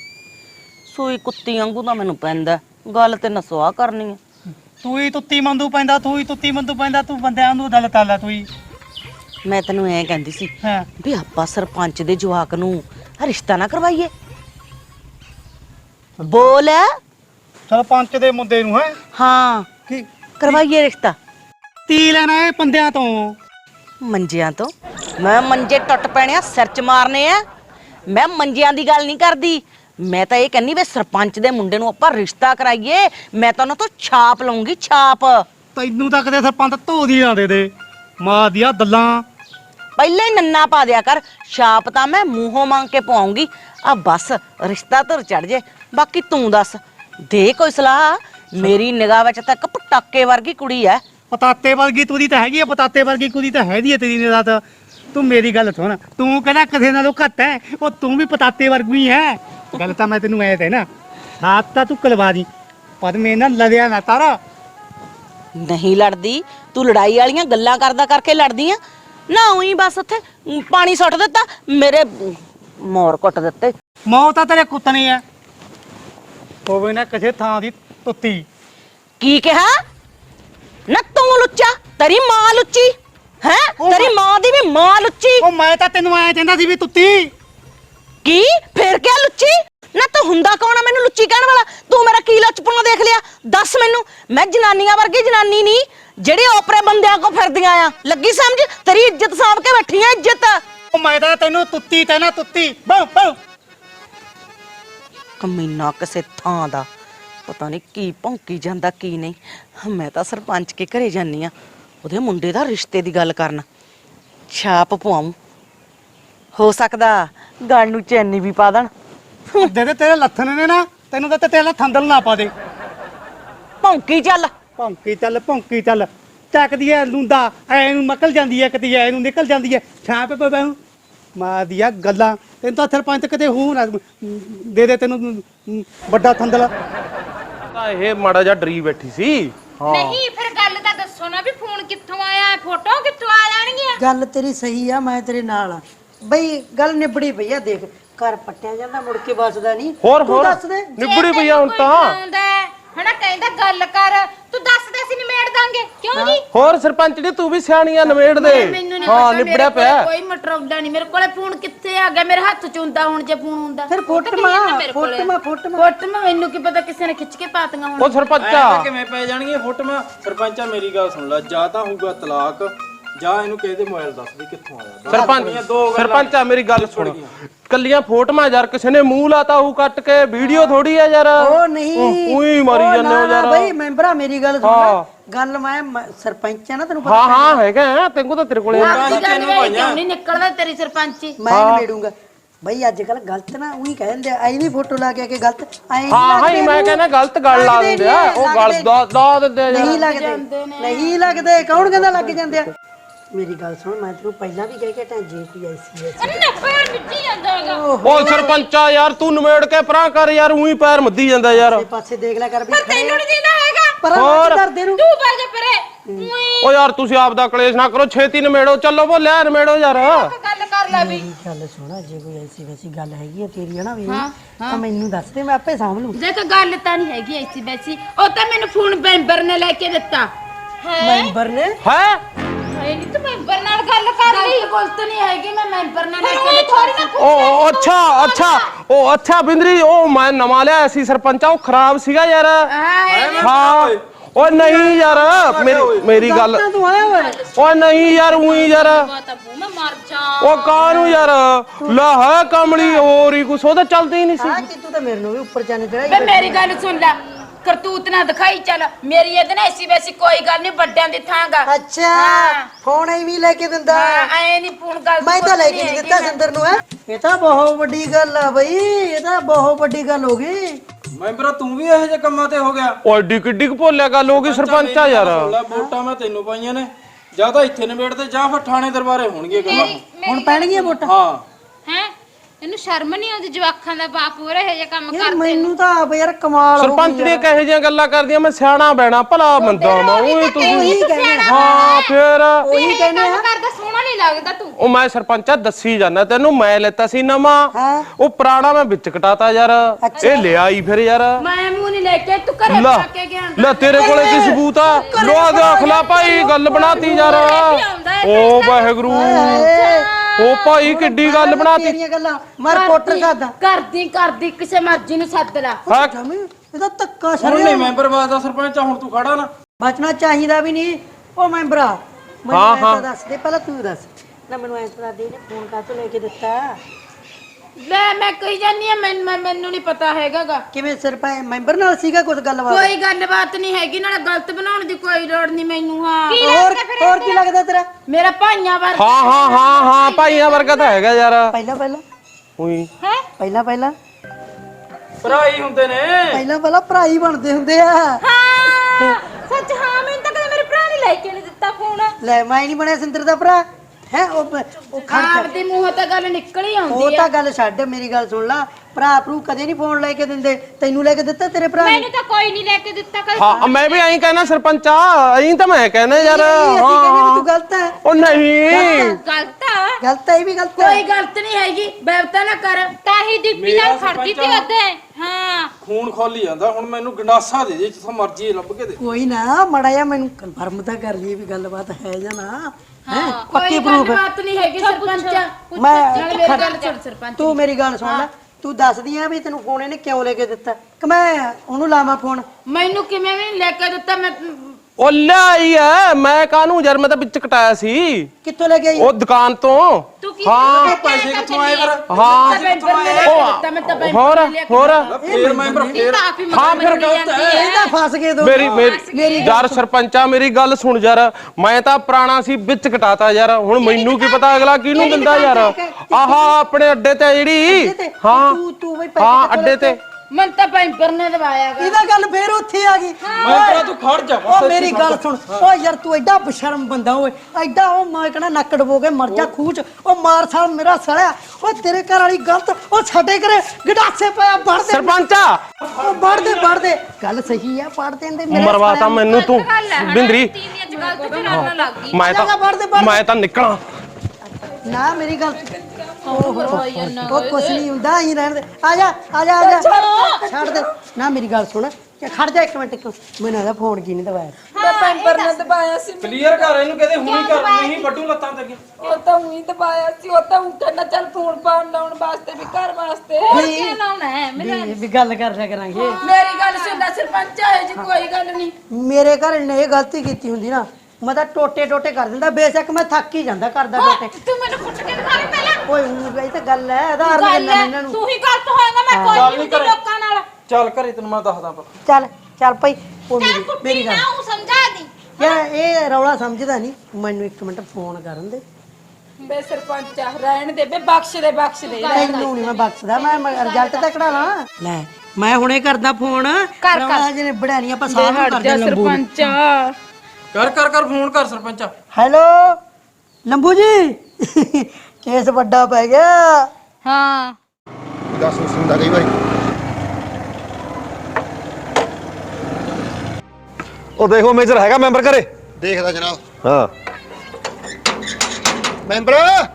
S9: ਸੂਈ ਕੁੱਤੀ ਵਾਂਗੂ ਤਾਂ ਮੈਨੂੰ ਪੈਂਦਾ, ਗੱਲ ਤੇ ਨਸਵਾ ਕਰਨੀ ਹੈ।
S3: ਤੂੰ ਹੀ ਤੁੱਤੀ ਮੰਦੂ ਪੈਂਦਾ, ਤੂੰ ਹੀ ਤੁੱਤੀ ਮੰਦੂ ਪੈਂਦਾ, ਤੂੰ ਬੰਦਿਆਂ ਨੂੰ ਦਲ ਤਾਲਾ ਤੂੰ ਹੀ।
S9: ਮੈਂ ਤੈਨੂੰ ਐਂ ਕਹਿੰਦੀ ਸੀ
S3: ਹਾਂ
S9: ਵੀ ਆਪਾਂ ਸਰਪੰਚ ਦੇ ਜਵਾਕ ਨੂੰ ਰਿਸ਼ਤਾ ਨਾ ਕਰਵਾਈਏ। ਬੋਲ।
S3: ਸਰਪੰਚ ਦੇ ਮੁੰਡੇ ਨੂੰ ਹੈ
S9: ਹਾਂ
S3: ਕੀ
S9: ਕਰਵਾਈਏ ਰਿਸ਼ਤਾ।
S3: ਤੀ ਲੈਣਾ ਇਹ ਬੰਦਿਆਂ ਤੋਂ।
S9: ਮੰਜਿਆਂ ਤੋਂ? ਮੈਂ ਮੰਜੇ ਟੁੱਟ ਪੈਣੇ ਆ, ਸਿਰ ਚ ਮਾਰਨੇ ਆ। ਮੈਂ ਮੰਜਿਆਂ ਦੀ ਗੱਲ ਨਹੀਂ ਕਰਦੀ, ਮੈਂ ਤਾਂ ਇਹ ਕਹਿੰਨੀ ਵੀ ਸਰਪੰਚ ਦੇ ਮੁੰਡੇ ਨੂੰ ਆਪਾਂ ਰਿਸ਼ਤਾ ਕਰਾਈਏ। ਮੈਂ ਤਾਂ ਉਹਨਾਂ ਤੋਂ ਛਾਪ ਲਵਾਂਗੀ, ਛਾਪ।
S3: ਤੈਨੂੰ ਤਾਂ ਕਦੇ ਸਰਪੰਚ ਧੋ ਦੀ ਆਂਦੇ ਦੇ ਮਾਂ ਦੀਆਂ ਦੱਲਾਂ।
S9: ਪਹਿਲੇ ਹੀ ਨੰਨਾ ਪਾ ਦਿਆ ਕਰ, ਛਾਪ ਤਾਂ ਮੈਂ ਮੂੰਹੋਂ ਮੰਗ ਕੇ ਪਵਾਉਂਗੀ। ਆ ਬਸ ਰਿਸ਼ਤਾ ਧੁਰ ਚੜ ਜੇ, ਬਾਕੀ ਤੂੰ ਦੱਸ ਦੇ ਕੋਈ ਸਲਾਹ। ਮੇਰੀ ਨਿਗਾਹ ਵਿੱਚ ਤਾਂ ਇੱਕ ਪਟਾਕੇ ਵਰਗੀ ਕੁੜੀ ਐ।
S3: ਪਤਾਤੇ ਵਰਗੀ ਤੂੰ ਦੀ ਤਾਂ ਹੈਗੀ ਆ, ਪਤਾਤੇ ਵਰਗੀ ਕੁੜੀ ਤਾਂ ਹੈਦੀ ਆ ਤੇਰੀ ਨਿਗਾਹ ਤਾਂ। ਤੂੰ ਮੇਰੀ ਗੱਲ ਸੁਣ, ਤੂੰ ਕਿਹੜਾ ਕਿਸੇ ਨਾਲੋਂ ਘੱਟ ਹੈ, ਉਹ ਤੂੰ ਵੀ ਪਤਾਤੇ ਵਰਗੀ ਹੈ। ਗੱਲ ਤਾਂ ਮੈਂ ਤੈਨੂੰ ਐ ਤੇ ਨਾ, ਸਾਥ ਤਾਂ ਤੂੰ ਕਲਵਾ ਦੀ, ਪਰ ਮੇਰੇ ਨਾਲ ਲੜਿਆ ਨਾ ਤਾਰਾ।
S9: ਨਹੀਂ ਲੜਦੀ, ਤੂੰ ਲੜਾਈ ਵਾਲੀਆਂ ਗੱਲਾਂ ਕਰਦਾ ਕਰਕੇ ਲੜਦੀ ਆ ਨਾ। ਉਹੀ ਬਸ ਉੱਥੇ ਪਾਣੀ ਸੁੱਟ ਦਿੱਤਾ, ਮੇਰੇ ਮੋਰ ਕੁੱਟ ਦਿੱਤੇ।
S3: ਮੌਤ ਤਾਂ ਤੇਰੇ ਕੁੱਤਣੀ ਐ, ਹੋਵੇ ਨਾ ਕਿਸੇ ਥਾਂ ਦੀ ਤੁੱਤੀ।
S9: ਕੀ ਕਿਹਾ ਨਾ ਤੂੰ ਲੁੱਚਾ? ਤੇਰੀ ਮਾਂ ਲੁੱਚੀ ਹੈ, ਤੇਰੀ ਮਾਂ ਦੀ ਵੀ ਮਾਂ ਲੁੱਚੀ।
S3: ਉਹ ਮੈਂ ਤਾਂ ਤੈਨੂੰ ਐ ਕਹਿੰਦਾ ਸੀ ਵੀ ਤੁੱਤੀ।
S9: ਕੀ ਫਿਰ ਕਿਆ ਲੁੱਚੀ? ਨਾ ਤੂੰ ਹੁੰਦਾ ਕੌਣ ਆ ਮੈਨੂੰ ਲੁੱਚੀ ਕਹਿਣ ਵਾਲਾ? ਤੂੰ ਮੇਰਾ ਕੀ ਲੁੱਚਪੁਣਾ ਦੇਖ ਲਿਆ? ਦੱਸ ਮੈਨੂੰ। ਮੈਂ ਜਨਾਨੀਆਂ ਵਰਗੀ ਜਨਾਨੀ ਨਹੀਂ ਜਿਹੜੇ ਓਪਰੇ ਬੰਦਿਆਂ ਕੋ ਫਿਰਦੀਆਂ ਆ। ਲੱਗੀ ਸਮਝ? ਤੇਰੀ ਇੱਜ਼ਤ ਸਾਂਭ ਕੇ ਬੈਠੀ ਆ, ਇੱਜ਼ਤ।
S3: ਉਹ ਮੈਂ ਤਾਂ ਤੈਨੂੰ ਤੁੱਤੀ ਕਹਿਣਾ, ਤੁੱਤੀ। ਬਹੁ ਬਹੁ
S9: ਕਮੀਨਾ ਕਿਸੇ ਥਾਂ ਦਾ, ਪਤਾ ਨਹੀਂ ਕੀ ਭੌਂਕੀ ਜਾਂਦਾ ਕੀ ਨਹੀਂ। ਮੈਂ ਤਾਂ ਸਰਪੰਚ ਕੇ ਘਰੇ ਜਾਨੀ ਆ, ਉਹਦੇ ਮੁੰਡੇ ਦਾ ਰਿਸ਼ਤੇ ਦੀ ਗੱਲ ਕਰਨ। ਛਾਪ ਪਵਾਉਂ, ਹੋ ਸਕਦਾ ਗੱਲ ਨੂੰ ਚੈਨੀ ਵੀ ਪਾ ਦੇਣ।
S3: ਦੇ ਦੇ ਤੇਰੇ ਲੱਥਣ ਨੇ ਨਾ, ਤੈਨੂੰ ਤਾਂ ਤੇਰਾ ਥੰਦਲ ਨਾ ਪਾ ਦੇ।
S9: ਭੌਂਕੀ ਚੱਲ।
S3: ਭੌਂਕੀ ਚੱਲ, ਭੌਂਕੀ ਚੱਲ। ਚੱਕਦੀ ਐ ਲੂੰਦਾ, ਐ ਨੂੰ ਨਿਕਲ ਜਾਂਦੀ ਐ, ਕਿਤੇ ਐ ਨੂੰ ਨਿਕਲ ਜਾਂਦੀ ਐ। ਛਾਪ ਪਵਾਉਂ ਮਾਂ ਦੀਆਂ ਗੱਲਾਂ ਤੈਨੂੰ ਤਾਂ ਸਰਪੰਚ ਕਿਤੇ ਹੂੰ ਨਾ ਦੇ ਤੈਨੂੰ ਵੱਡਾ ਥੰਦਲਾ।
S5: ਤਾਂ ਇਹ ਮਾੜਾ ਜਿਹਾ ਡਰੀ ਬੈਠੀ ਸੀ। ਹਾਂ
S6: ਨਹੀਂ ਫਿਰ ਗੱਲ ਤਾਂ ਦੱਸੋ ਨਾ ਵੀ ਫੋਨ ਕਿੱਥੋਂ ਆਇਆ ਫੋਟੋ ਕਿੱਥੋਂ ਆ ਜਾਣਗੀਆਂ।
S1: ਗੱਲ ਤੇਰੀ ਸਹੀ ਆ, ਮੈਂ ਤੇਰੇ ਨਾਲ ਆ ਬਈ। ਗੱਲ ਨਿਬੜੀ ਪਈ ਆ, ਦੇਖ ਘਰ ਪੱਟਿਆ ਜਾਂਦਾ ਮੁੜ ਕੇ ਬਸਦਾ ਨਹੀਂ।
S5: ਹੋਰ
S1: ਤੂੰ
S5: ਹੋਰ
S1: ਦੱਸ ਦੇ।
S5: ਨਿਬੜੀ ਪਈ ਆ ਹੁਣ ਤਾਂ।
S6: ਹਣਾ ਕਹਿੰਦਾ ਗੱਲ ਕਰ ਤੂੰ ਦੱਸ ਦੇ ਅਸੀਂ ਨਿਮੇੜ ਦਾਂਗੇ ਕਿਉਂ ਜੀ।
S5: ਹੋਰ ਸਰਪੰਚ ਜੀ ਤੂੰ ਵੀ ਸਿਆਣੀ ਆ, ਨਿਬੇੜ ਦੇ।
S8: ਮੈਨੂੰ ਨਹੀਂ
S5: ਹਾਂ
S8: ਪਤਾ
S5: ਨਿਬੜਿਆ
S8: ਮੇਰੇ
S5: ਪਿਆ।
S8: ਕੋਲ ਕੋਈ ਮਟਰੌਡਾ ਨਹੀਂ। ਮੇਰੇ ਕੋਲੇ ਫੋਨ ਕਿੱਥੇ ਆ ਗਿਆ? ਮੇਰੇ ਹੱਥ ਚ ਹੁੰਦਾ ਹੁਣ ਜੇ ਫੋਨ ਹੁੰਦਾ।
S1: ਫਿਰ ਫੋਟੋ
S8: ਮੈਨੂੰ ਕੀ ਪਤਾ ਕਿਸੇ ਨੇ ਖਿੱਚ ਕੇ ਪਾਤੀਆਂ ਹੁਣ।
S5: ਉਹ ਸਰਪੰਚਾ
S2: ਐਂ ਕਿਵੇਂ ਪੈ ਜਾਣਗੀਆਂ ਫੋਟੋਆਂ? ਸਰਪੰਚਾ ਮੇਰੀ ਗੱਲ ਸੁਣ ਲੈ, ਜਾਂ ਤਾਂ ਹੋਊਗਾ ਤਲਾਕ ਜਾਂ ਇਹਨੂੰ ਕਿਸੇ ਦੇ ਮੋਬਾਈਲ ਦੱਸ ਦੇ ਕਿੱਥੋਂ ਆਇਆ।
S5: ਸਰਪੰਚਾ ਮੇਰੀ ਗੱਲ ਸੁਣ। ਕੱਲੀਆਂ ਫੋਟੋਆਂ ਯਾਰ ਕਿਸੇ ਨੇ ਮੂੰਹ ਲਾਤਾ ਉਹ ਕੱਟ ਕੇ, ਵੀਡੀਓ ਥੋੜੀ ਆ ਯਾਰ।
S1: ਉਹ ਨਹੀਂ
S5: ਉਹੀ ਮਾਰੀ
S1: ਉਹ
S5: ਜਾਂਦੇ ਹੋ
S1: ਨਾ,
S5: ਯਾਰ।
S1: ਬਈ ਮੈਂਬਰਾ ਮੇਰੀ ਗੱਲ ਸੁਣ ਲੈ। ਗੱਲ ਮੈਂ ਸਰਪੰਚ ਆ ਨਾ, ਤੈਨੂੰ ਪਤਾ।
S5: ਹਾਂ ਹਾਂ ਹੈਗਾ ਤੈਨੂੰ ਤਾਂ ਤੇਰੇ ਕੋਲੇ
S8: ਕਿਉਂ ਨਹੀਂ ਨਿਕਲਦਾ ਤੇਰੀ ਸਰਪੰਚੀ?
S1: ਮੈਂ ਨਿਬੇੜੂੰਗਾ ਬਈ। ਅੱਜ ਕੱਲ ਗਲਤ ਨਾ ਉਹੀ ਕਹਿੰਦੇ ਆ, ਵੀ ਫੋਟੋ ਲਾ ਕੇ ਗਲਤ ਐਂ
S5: ਹਾਂ ਹਾਂ ਮੈਂ ਕਹਿੰਦਾ ਗਲਤ ਗੱਲ ਲਾ ਦਿੰਦੇ ਆ। ਉਹ ਗੱਲ ਦਾ ਦਿੰਦੇ ਆ
S1: ਨਹੀਂ ਲੱਗਦੇ, ਨਹੀਂ ਲੱਗਦੇ। ਕੌਣ ਕਹਿੰਦਾ ਲੱਗ ਜਾਂਦੇ ਆ? ਮੇਰੀ ਗੱਲ ਸੁਣ, ਮੈਂ ਤੈਨੂੰ ਪਹਿਲਾਂ ਵੀ ਕਹਿ ਕੇ ਟਾਂ ਜੇ ਕੋਈ ਐਸੀ
S6: ਨਾ ਪੈਰ ਮਿੱਟੀ ਜਾਂਦਾ ਹੈਗਾ।
S5: ਉਹ ਸਰਪੰਚਾ ਯਾਰ ਤੂੰ ਨਿਮੇੜ ਕੇ ਪਰਾਂ ਕਰ ਯਾਰ, ਉਹੀ ਪੈਰ ਮੱਦੀ ਜਾਂਦਾ ਯਾਰ।
S1: ਪਾਸੇ ਦੇਖ ਲੈ ਕਰ ਵੀ
S6: ਤੈਨੂੰ ਨਹੀਂ ਦਿੰਦਾ ਹੈਗਾ
S1: ਪਰ
S5: ਹੋਰ
S1: ਕਰਦੇ ਨੂੰ।
S6: ਤੂੰ ਬਹਿ ਜਾ ਪਰੇ।
S5: ਉਹ ਯਾਰ ਤੁਸੀਂ ਆਪ ਦਾ ਕਲੇਸ਼ ਨਾ ਕਰੋ, ਛੇਤੀ ਨਿਮੇੜੋ। ਚੱਲੋ ਬੋਲਿਆ ਨਿਮੇੜੋ ਯਾਰ।
S6: ਗੱਲ ਕਰ ਲੈ ਵੀ।
S1: ਗੱਲ ਸੁਣਾ, ਜੇ ਕੋਈ ਐਸੀ ਵੈਸੀ ਗੱਲ ਹੈਗੀ ਆ ਤੇਰੀ ਹੈ ਨਾ ਵੀ ਤਾਂ ਮੈਨੂੰ ਦੱਸ ਦੇ, ਮੈਂ ਆਪੇ ਸਾਂਭ ਲੂੰ।
S8: ਦੇਖ ਗੱਲ ਤਾਂ ਨਹੀਂ ਹੈਗੀ ਐਸੀ ਵੈਸੀ। ਉਹ ਤਾਂ ਮੈਨੂੰ ਫੋਨ ਮੈਂਬਰ ਨੇ ਲੈ ਕੇ ਦਿੱਤਾ।
S1: ਮੈਂਬਰ ਨੇ
S5: ਹੈ
S6: ਹਾਏ ਨਹੀਂ ਤੂੰ ਮੈਂਬਰ ਨਾਲ ਗੱਲ ਕਰ ਲਈ।
S8: ਗਲਤ ਨਹੀਂ ਹੈਗੀ, ਮੈਂ ਮੈਂਬਰ ਨੇ ਲੈ ਕੇ
S6: ਕੋਈ ਥੋੜੀ ਨਾ
S5: ਉਹ ਅੱਛਾ ਉਹ ਅੱਛਾ ਬਿੰਦਰੀ, ਉਹ ਮੈਂ ਨਵਾਂ ਲਿਆ ਸੀ ਸਰਪੰਚਾ, ਉਹ ਖਰਾਬ ਸੀਗਾ ਯਾਰ। ਹਾਂ ਉਹ ਨਹੀਂ ਯਾਰ ਮੇਰੀ ਗੱਲ।
S1: ਤੂੰ ਆਇਆ ਓਏ।
S5: ਉਹ ਨਹੀਂ ਯਾਰ ਉਹੀ ਯਾਰ।
S6: ਤਾਂ ਬੂ ਮੈਂ ਮਰ ਜਾ।
S5: ਉਹ ਕਾਹਨੂੰ ਯਾਰ ਲਾ ਹੈ ਕਮਲੀ, ਹੋਰ ਹੀ ਕੁਛ ਉਹਦਾ ਚੱਲਦਾ ਹੀ ਨਹੀਂ ਸੀ।
S1: ਹਾਂ ਕਿ ਤੂੰ ਤਾਂ ਮੇਰੇ ਨੂੰ ਵੀ ਉੱਪਰ ਚੰਨ ਚੜਾਈ।
S8: ਵੇ ਮੇਰੀ ਗੱਲ ਸੁਣ ਲੈ, ਕਰਤੂਤ ਨਾ ਦਿਖਾਈ ਚੱਲ। ਮੇਰੀ ਇਹਦੇ ਨਾਲ ਐਸੀ ਵੈਸੀ ਕੋਈ ਗੱਲ ਨਹੀਂ, ਵੱਡਿਆਂ ਦੀ ਥਾਂਗਾ।
S1: ਅੱਛਾ ਫੋਨ ਐ ਵੀ ਲੈ ਕੇ ਦਿੰਦਾ।
S8: ਐ ਨਹੀਂ ਫੋਨ ਗੱਲ
S1: ਮੈਂ ਤਾਂ ਲੈ ਕੇ ਨਹੀਂ ਦਿੱਤਾ ਸਿੰਦਰ ਨੂੰ। ਹੈ ਇਹ ਤਾਂ ਬਹੁਤ ਵੱਡੀ ਗੱਲ ਆ ਬਈ, ਇਹ ਤਾਂ ਬਹੁਤ ਵੱਡੀ ਗੱਲ ਹੋ ਗਈ।
S2: ਮੈਂਬਰਾ ਤੂੰ ਵੀ ਇਹੋ ਜਿਹੇ ਕੰਮਾਂ ਤੇ ਹੋ ਗਿਆ।
S5: ਉਹ ਏਡੀ ਕਿੱਡੀ ਕੁ ਭੋਲਿਆ ਗੱਲ ਹੋ ਗਈ ਸਰਪੰਚਾ ਯਾਰ।
S2: ਸੁਣ ਲੈ, ਵੋਟਾਂ ਮੈਂ ਤੈਨੂੰ ਪਾਈਆਂ ਨੇ, ਜਾਂ ਤਾਂ ਇੱਥੇ ਨਿਬੇੜਦੇ ਜਾਂ ਫਿਰ ਥਾਣੇ ਦਰਬਾਰੇ ਹੋਣਗੇ ਗੱਲਾਂ।
S1: ਹੁਣ ਪੈਣਗੀਆਂ ਵੋਟਾਂ।
S2: ਹਾਂ
S6: ਹੈ ਇਹਨੂੰ ਸ਼ਰਮ ਨਹੀਂ ਆਉਂਦੀ ਜਵਾਖਾਂ ਦਾ ਬਾਪ ਹੋ ਰਿਹਾ ਜੇ ਕੰਮ
S1: ਯਾਰ
S6: ਕਰਦੇ।
S1: ਮੈਨੂੰ ਤਾਂ ਆਪ ਯਾਰ ਕਮਾਲ ਹੋ
S5: ਸਰਪੰਚ ਦੀਆਂ ਕਹੇ ਜਿਹੀਆਂ ਗੱਲਾਂ ਕਰਦੀਆਂ, ਮੈਂ ਸਿਆਣਾ ਬੈਣਾ ਭਲਾ ਬੰਦਾ ਮੈਂ। ਉਹੀ ਤੁਸੀਂ ਹਾਂ ਫੇਰ
S1: ਉਹੀ ਕਹਿੰਦੇ ਆ।
S6: ਕਰਦਾ ਸੋਹਣਾ ਨਹੀਂ ਲੱਗਦਾ ਤੂੰ।
S5: ਉਹ ਮੈਂ ਸਰਪੰਚਾ ਦੱਸੀ ਜਾਣਾ ਤੈਨੂੰ, ਮੈਂ ਲੈਤਾ ਸੀ ਨਵਾਂ, ਉਹ ਪੁਰਾਣਾ ਮੈਂ ਵਿੱਚ ਕਟਾਤਾ ਯਾਰ। ਇਹ ਲਿਆਈ ਫਿਰ ਯਾਰ।
S8: ਮੈਂ ਮੂੰਹ ਨਹੀਂ ਲੈ ਕੇ, ਤੂੰ ਘਰੇ
S5: ਲੈ
S8: ਪਾ ਕੇ ਗਿਆ।
S5: ਲੈ ਤੇਰੇ ਕੋਲੇ ਕੀ ਸਬੂਤ ਆ? ਲੋਹਾ ਦਾ ਅਖਲਾ ਭਾਈ ਗੱਲ ਬਣਾਤੀ ਯਾਰ। ਓ ਵਾਹਿਗੁਰੂ, ਉਹ ਭਾਈ ਕਿੱਡੀ ਗੱਲ ਬਣਾਤੀ।
S1: ਤੇਰੀਆਂ ਗੱਲਾਂ ਮਰ ਕੋਟਰ ਸਾਦਾ
S8: ਕਰਦੀ ਕਿਸੇ ਮਰਜ਼ੀ ਨੂੰ ਸੱਦ ਲੈ।
S1: ਜਮੀ ਇਹਦਾ ਧੱਕਾ
S2: ਹੁਣ
S1: ਛੜਿਆ।
S2: ਨਹੀਂ ਮੈਂਬਰ ਬਾਦ ਦਾ ਸਰਪੰਚ ਆ, ਹੁਣ ਤੂੰ ਖੜਾ ਨਾ।
S1: ਬਚਣਾ ਚਾਹੀਦਾ ਵੀ ਨਹੀਂ। ਉਹ ਮੈਂਬਰਾ ਮੈਨੂੰ ਐਂ ਤਾਂ ਦੱਸ ਦੇ, ਪਹਿਲਾਂ ਤੂੰ ਦੱਸ ਨਾ ਮੈਨੂੰ। ਐਂ ਤਾਂ ਦੱਸ ਦੇ, ਇਹਨੇ ਫੋਨ ਕਾਹਤੋਂ ਲੈ ਕੇ ਦਿੱਤਾ?
S8: ਲੈ ਮੈਂ ਕਹੀ ਜਾਨੀ ਆ, ਮੈਨੂੰ ਨਹੀਂ ਪਤਾ ਹੈਗਾਗਾ।
S1: ਕਿਵੇਂ ਸਰਪੰਚ ਮੈਂਬਰ ਨਾਲ ਸੀਗਾ ਕੁਝ ਗੱਲਬਾਤ?
S8: ਕੋਈ ਗੱਲਬਾਤ ਨਹੀਂ ਹੈਗੀ, ਨਾਲ ਗਲਤ ਬਣਾਉਣ ਦੀ ਕੋਈ ਲੋੜ ਨਹੀਂ ਮੈਨੂੰ। ਹਾਂ
S1: ਹੋਰ ਕੀ ਲੱਗਦਾ ਤੇਰਾ?
S8: ਮੇਰਾ ਭਾਈਆਂ ਵਰਗਾ।
S5: ਹਾਂ ਭਾਈਆਂ ਵਰਗਾ ਤਾਂ ਹੈਗਾ ਯਾਰ।
S1: ਪਹਿਲਾਂ
S5: ਉਹੀ
S1: ਪਹਿਲਾਂ
S2: ਭਰਾ ਹੀ ਹੁੰਦੇ ਨੇ।
S1: ਪਹਿਲਾਂ ਭਰਾ ਹੀ ਬਣਦੇ ਹੁੰਦੇ ਆ।
S6: ਹਾਂ ਸੱਚ। ਹਾਂ ਮੈਨੂੰ ਤਾਂ ਕਦੇ ਮੇਰੇ ਭਰਾ ਨੇ ਲੈ ਕੇ ਨਹੀਂ ਦਿੱਤਾ ਫੋਨ।
S1: ਲੈ ਮੈਂ ਨਹੀਂ ਬਣਿਆ ਸਿੰਦਰ ਦਾ ਭਰਾ ਹੈ। ਉਹ ਖੜ
S8: ਆਪਦੇ ਮੂੰਹ ਤਾਂ ਗੱਲ ਨਿਕਲ ਹੀ ਆਉਂਦੀ
S1: ਉਹ ਤਾਂ ਗੱਲ ਛੱਡ, ਮੇਰੀ ਗੱਲ ਸੁਣ ਲਾ। ਭਰਾ ਭਰੂ ਕਦੇ ਨਹੀਂ ਫੋਨ ਲੈ ਕੇ ਦਿੰਦੇ। ਤੈਨੂੰ ਲੈ ਕੇ ਦਿੱਤਾ ਤੇਰੇ ਭਰਾ ਨੇ?
S6: ਮੈਨੂੰ ਤਾਂ ਕੋਈ ਨਹੀਂ ਲੈ ਕੇ ਦਿੱਤਾ ਕਦੇ।
S5: ਹਾਂ ਮੈਂ ਵੀ ਐਂ ਕਹਿਣਾ ਸਰਪੰਚਾ, ਐਂ ਤਾਂ ਮੈਂ ਕਹਿਣਾ ਯਾਰ।
S1: ਅਸੀਂ ਕਹਿੰਦੇ ਵੀ ਤੂੰ ਗਲਤ ਹੈ।
S5: ਉਹ ਨਹੀਂ
S1: ਗਲਤ ਹੈ, ਇਹ ਵੀ ਗਲਤ ਹੈ।
S8: ਕੋਈ ਗਲਤ ਨਹੀਂ ਹੈਗੀ, ਬੇਵਤਾ ਨਾ ਕਰ।
S6: ਤਾਂ ਹੀ ਦੀਪੀ ਨਾਲ ਖੜਦੀ ਤੇ ਉਹਦੇ। ਹਾਂ
S2: ਖੂਨ ਖੋਲੀ ਜਾਂਦਾ। ਹੁਣ ਮੈਨੂੰ ਗੰਡਾਸਾ ਦੇ ਦੇ, ਜਿੱਥੋਂ ਮਰਜ਼ੀ ਲੱਭ ਕੇ ਦੇ।
S1: ਕੋਈ ਨਾ ਮੜਾ ਜਾ ਮੈਨੂੰ ਕਨਫਰਮ ਤਾਂ ਕਰ ਲਈ ਵੀ ਗੱਲਬਾਤ ਹੈ ਜਾਂ ਨਾ ਹੈ। ਪੱਕੀ
S8: ਕੋਈ
S1: ਪ੍ਰੂਫ
S8: ਗੱਲਬਾਤ ਨਹੀਂ ਹੈਗੀ ਸਰਪੰਚ।
S1: ਮੈਂ
S8: ਮੇਰੀ ਗੱਲ ਸੁਣ ਸਰਪੰਚ।
S1: ਤੂੰ ਮੇਰੀ ਗੱਲ ਸੁਣ ਲੈ। ਤੂੰ ਦੱਸਦੀ ਆ ਵੀ ਤੈਨੂੰ ਫੋਨ ਇਹਨੇ ਕਿਉਂ ਲੈ ਕੇ ਦਿੱਤਾ ਕਿ ਮੈਂ ਉਹਨੂੰ ਲਾਵਾਂ ਫੋਨ?
S8: ਮੈਨੂੰ ਕਿਵੇਂ ਵੀ ਲੈ ਕੇ ਦਿੱਤਾ? ਮੈਂ
S5: ਉਹ ਲਿਆਈ ਐ, ਮੈਂ ਕਾਹਨੂੰ ਯਾਰ, ਮੈਂ ਤਾਂ ਵਿੱਚ ਕਟਾਇਆ ਸੀ।
S1: ਕਿੱਥੋਂ ਲੈ ਕੇ ਆਈ?
S5: ਉਹ ਦੁਕਾਨ ਤੋਂ।
S2: ਹਾਂ ਪੈਸੇ ਕਿੱਥੋਂ ਆਏ ਫਿਰ?
S5: ਹਾਂ ਹੋਰ
S2: ਫੇਰ ਮੈਂਬਰ ਫੇਰ
S5: ਹਾਂ ਫਿਰ ਗਲਤ ਹੈ।
S1: ਇਹ ਤਾਂ ਫਸ ਗਏ ਦੋ।
S5: ਮੇਰੀ ਯਾਰ ਸਰਪੰਚਾ ਮੇਰੀ ਗੱਲ ਸੁਣ ਯਾਰ। ਮੈਂ ਤਾਂ ਪੁਰਾਣਾ ਸੀ ਵਿੱਚ ਕਟਾਤਾ ਯਾਰ। ਹੁਣ ਮੈਨੂੰ ਕੀ ਪਤਾ ਅਗਲਾ ਕਿਹਨੂੰ ਦਿੰਦਾ ਯਾਰ। ਆਹਾ ਆਪਣੇ ਅੱਡੇ ਤੇ ਜਿਹੜੀ। ਹਾਂ
S1: ਤੂੰ ਬਈ
S5: ਹਾਂ ਅੱਡੇ ਤੇ
S8: ਮਨ ਤਾਂ ਪੈਂਪਰ ਨੇ ਦਵਾਇਆ ਗਾ।
S1: ਇਹਦਾ ਗੱਲ ਫੇਰ ਉੱਥੇ ਆ ਗਈ
S2: ਮੈਂ ਤੇਰਾ ਤੂੰ ਖੜ ਜਾ
S1: ਉਹ ਮੇਰੀ ਗੱਲ ਸੁਣ ਓ ਯਾਰ ਤੂੰ ਐਡਾ ਬਸ਼ਰਮ ਬੰਦਾ ਓਏ ਐਡਾ ਉਹ ਮੈਂ ਕਹਿੰਦਾ ਨੱਕ ਡਬੋ ਕੇ ਮਰ ਜਾ ਖੂਚ ਉਹ ਮਾਰ ਸਾਲ ਮੇਰਾ ਸੜਿਆ ਉਹ ਤੇਰੇ ਘਰ ਵਾਲੀ ਗਲਤ ਉਹ ਸਾਡੇ ਘਰੇ ਗਡਾਸੇ ਪਿਆ ਵੜ ਦੇ
S5: ਸਰਪੰਚਾ
S1: ਉਹ ਵੜ ਦੇ ਗੱਲ ਸਹੀ ਆ ਪੜ ਦੇਂਦੇ
S5: ਮਰਵਾਤਾ ਮੈਨੂੰ ਤੂੰ ਬਿੰਦਰੀ
S7: ਤੀਵੀਂ ਅੱਜ ਕੱਲ ਤੇ ਨਾਲ ਲੱਗ ਗਈ
S5: ਮੈਂ ਤਾਂ ਨਿਕਲਾਂ
S1: ਨਾ ਮੇਰੀ ਗੱਲ ਉਹ ਕੁਛ ਨਹੀਂ ਹੁੰਦਾ ਹੀ ਰਹਿਣ ਦੇ ਆ ਜਾ ਛੱਡ ਦੇ ਨਾ ਮੇਰੀ ਗੱਲ ਸੁਣ ਖੜ ਜਾ ਇੱਕ ਮਿੰਟ ਮੈਨੂੰ ਇਹਦਾ ਫੋਨ ਕੀ ਨਹੀਂ ਦਵਾਇਆ
S8: ਮੈਂ ਪੈਂਪਰ ਨੇ ਦਵਾਇਆ ਸੀ
S2: ਕਲੀਅਰ ਕਰ ਇਹਨੂੰ ਕਹਿੰਦੇ ਹੁਣੀ ਕਰ ਨਹੀਂ ਵੱਡੂ ਲੱਤਾਂ ਤੇ
S8: ਉਹ ਤਾਂ ਉਹੀ ਦਵਾਇਆ ਸੀ ਉਹ ਤਾਂ ਕਹਿੰਦਾ ਚੱਲ ਫੋਨ ਪਾਉਣ ਲਾਉਣ ਵਾਸਤੇ ਵੀ ਘਰ ਵਾਸਤੇ
S7: ਲਾਉਣਾ ਹੈ
S1: ਵੀ ਗੱਲ ਕਰ ਲਿਆ ਕਰਾਂਗੇ
S8: ਮੇਰੀ ਗੱਲ ਸੁਣਦਾ ਸਰਪੰਚ ਹੈ ਜੀ ਕੋਈ ਗੱਲ ਨਹੀਂ
S1: ਮੇਰੇ ਘਰ ਨੇ ਇਹ ਗਲਤੀ ਕੀਤੀ ਹੁੰਦੀ ਨਾ ਮੈਂ ਤਾਂ ਟੋਟੇ ਕਰ ਦਿੰਦਾ ਬੇਸ਼ੱਕ ਮੈਂ ਥੱਕ ਹੀ ਜਾਂਦਾ ਕਰਦਾ ਟੋਟੇ
S7: ਤੂੰ ਮੈਨੂੰ ਕੁੱਟ ਕੇ ਦਿਖਾ ਪਹਿਲਾਂ
S1: ਓਏ ਉਹ ਇਹ ਤਾਂ ਗੱਲ ਹੈ ਆਧਾਰ ਨਹੀਂ ਦਿੰਦਾ ਇਹਨਾਂ ਨੂੰ
S7: ਤੂੰ ਹੀ ਗਲਤ ਹੋਏਗਾ ਮੈਂ ਕੋਈ ਨਹੀਂ ਹੁੰਦੀ ਲੋਕਾਂ ਨਾਲ
S2: ਚੱਲ ਘਰੇ ਤੈਨੂੰ ਮੈਂ ਦੱਸਦਾ ਪਰ
S1: ਚੱਲ ਭਾਈ ਉਹ
S7: ਚੱਲ ਕੁੱਟੀ ਨਾ ਉਹ ਸਮਝਾ ਦੀ
S1: ਯਾਰ ਇਹ ਰੌਲਾ ਸਮਝਦਾ ਨਹੀਂ ਮੈਨੂੰ ਇੱਕ ਮਿੰਟ ਫੋਨ ਕਰਨ ਦੇ
S8: ਬੇ ਸਰਪੰਚ ਰਹਿਣ ਦੇ ਬੇ ਬਖਸ਼ ਦੇ
S1: ਤੈਨੂੰ ਨਹੀਂ ਮੈਂ ਬਖਸ਼ਦਾ ਮੈਂ ਰਿਜ਼ਲਟ ਤਾਂ ਕਢਾ ਲਾਂ ਲੈ ਮੈਂ ਹੁਣੇ ਕਰਦਾ ਫੋਨ ਰੌਲਾ ਜਿਹਨੇ ਬੜਾਣੀ ਆਪਾਂ ਸਾਹ ਨੂੰ ਕਰਦੇ ਲੰਬੂ
S2: ਕਰ ਫੋਨ ਕਰ ਸਰਪੰਚਾ
S1: ਹੈਲੋ ਲੰਬੂ ਜੀ ਕੇਸ ਵੱਡਾ ਪੈ ਗਿਆ
S7: ਹਾਂ
S10: ਦੱਸ ਸੁਣਦਾ ਕਈ ਵਾਰੀ
S5: ਉਹ ਦੇਖੋ ਮੇਜਰ ਹੈਗਾ ਮੈਂਬਰ ਘਰੇ
S10: ਦੇਖਦਾ ਜਨਾਬ
S5: ਹਾਂ
S10: ਮੈਂਬਰ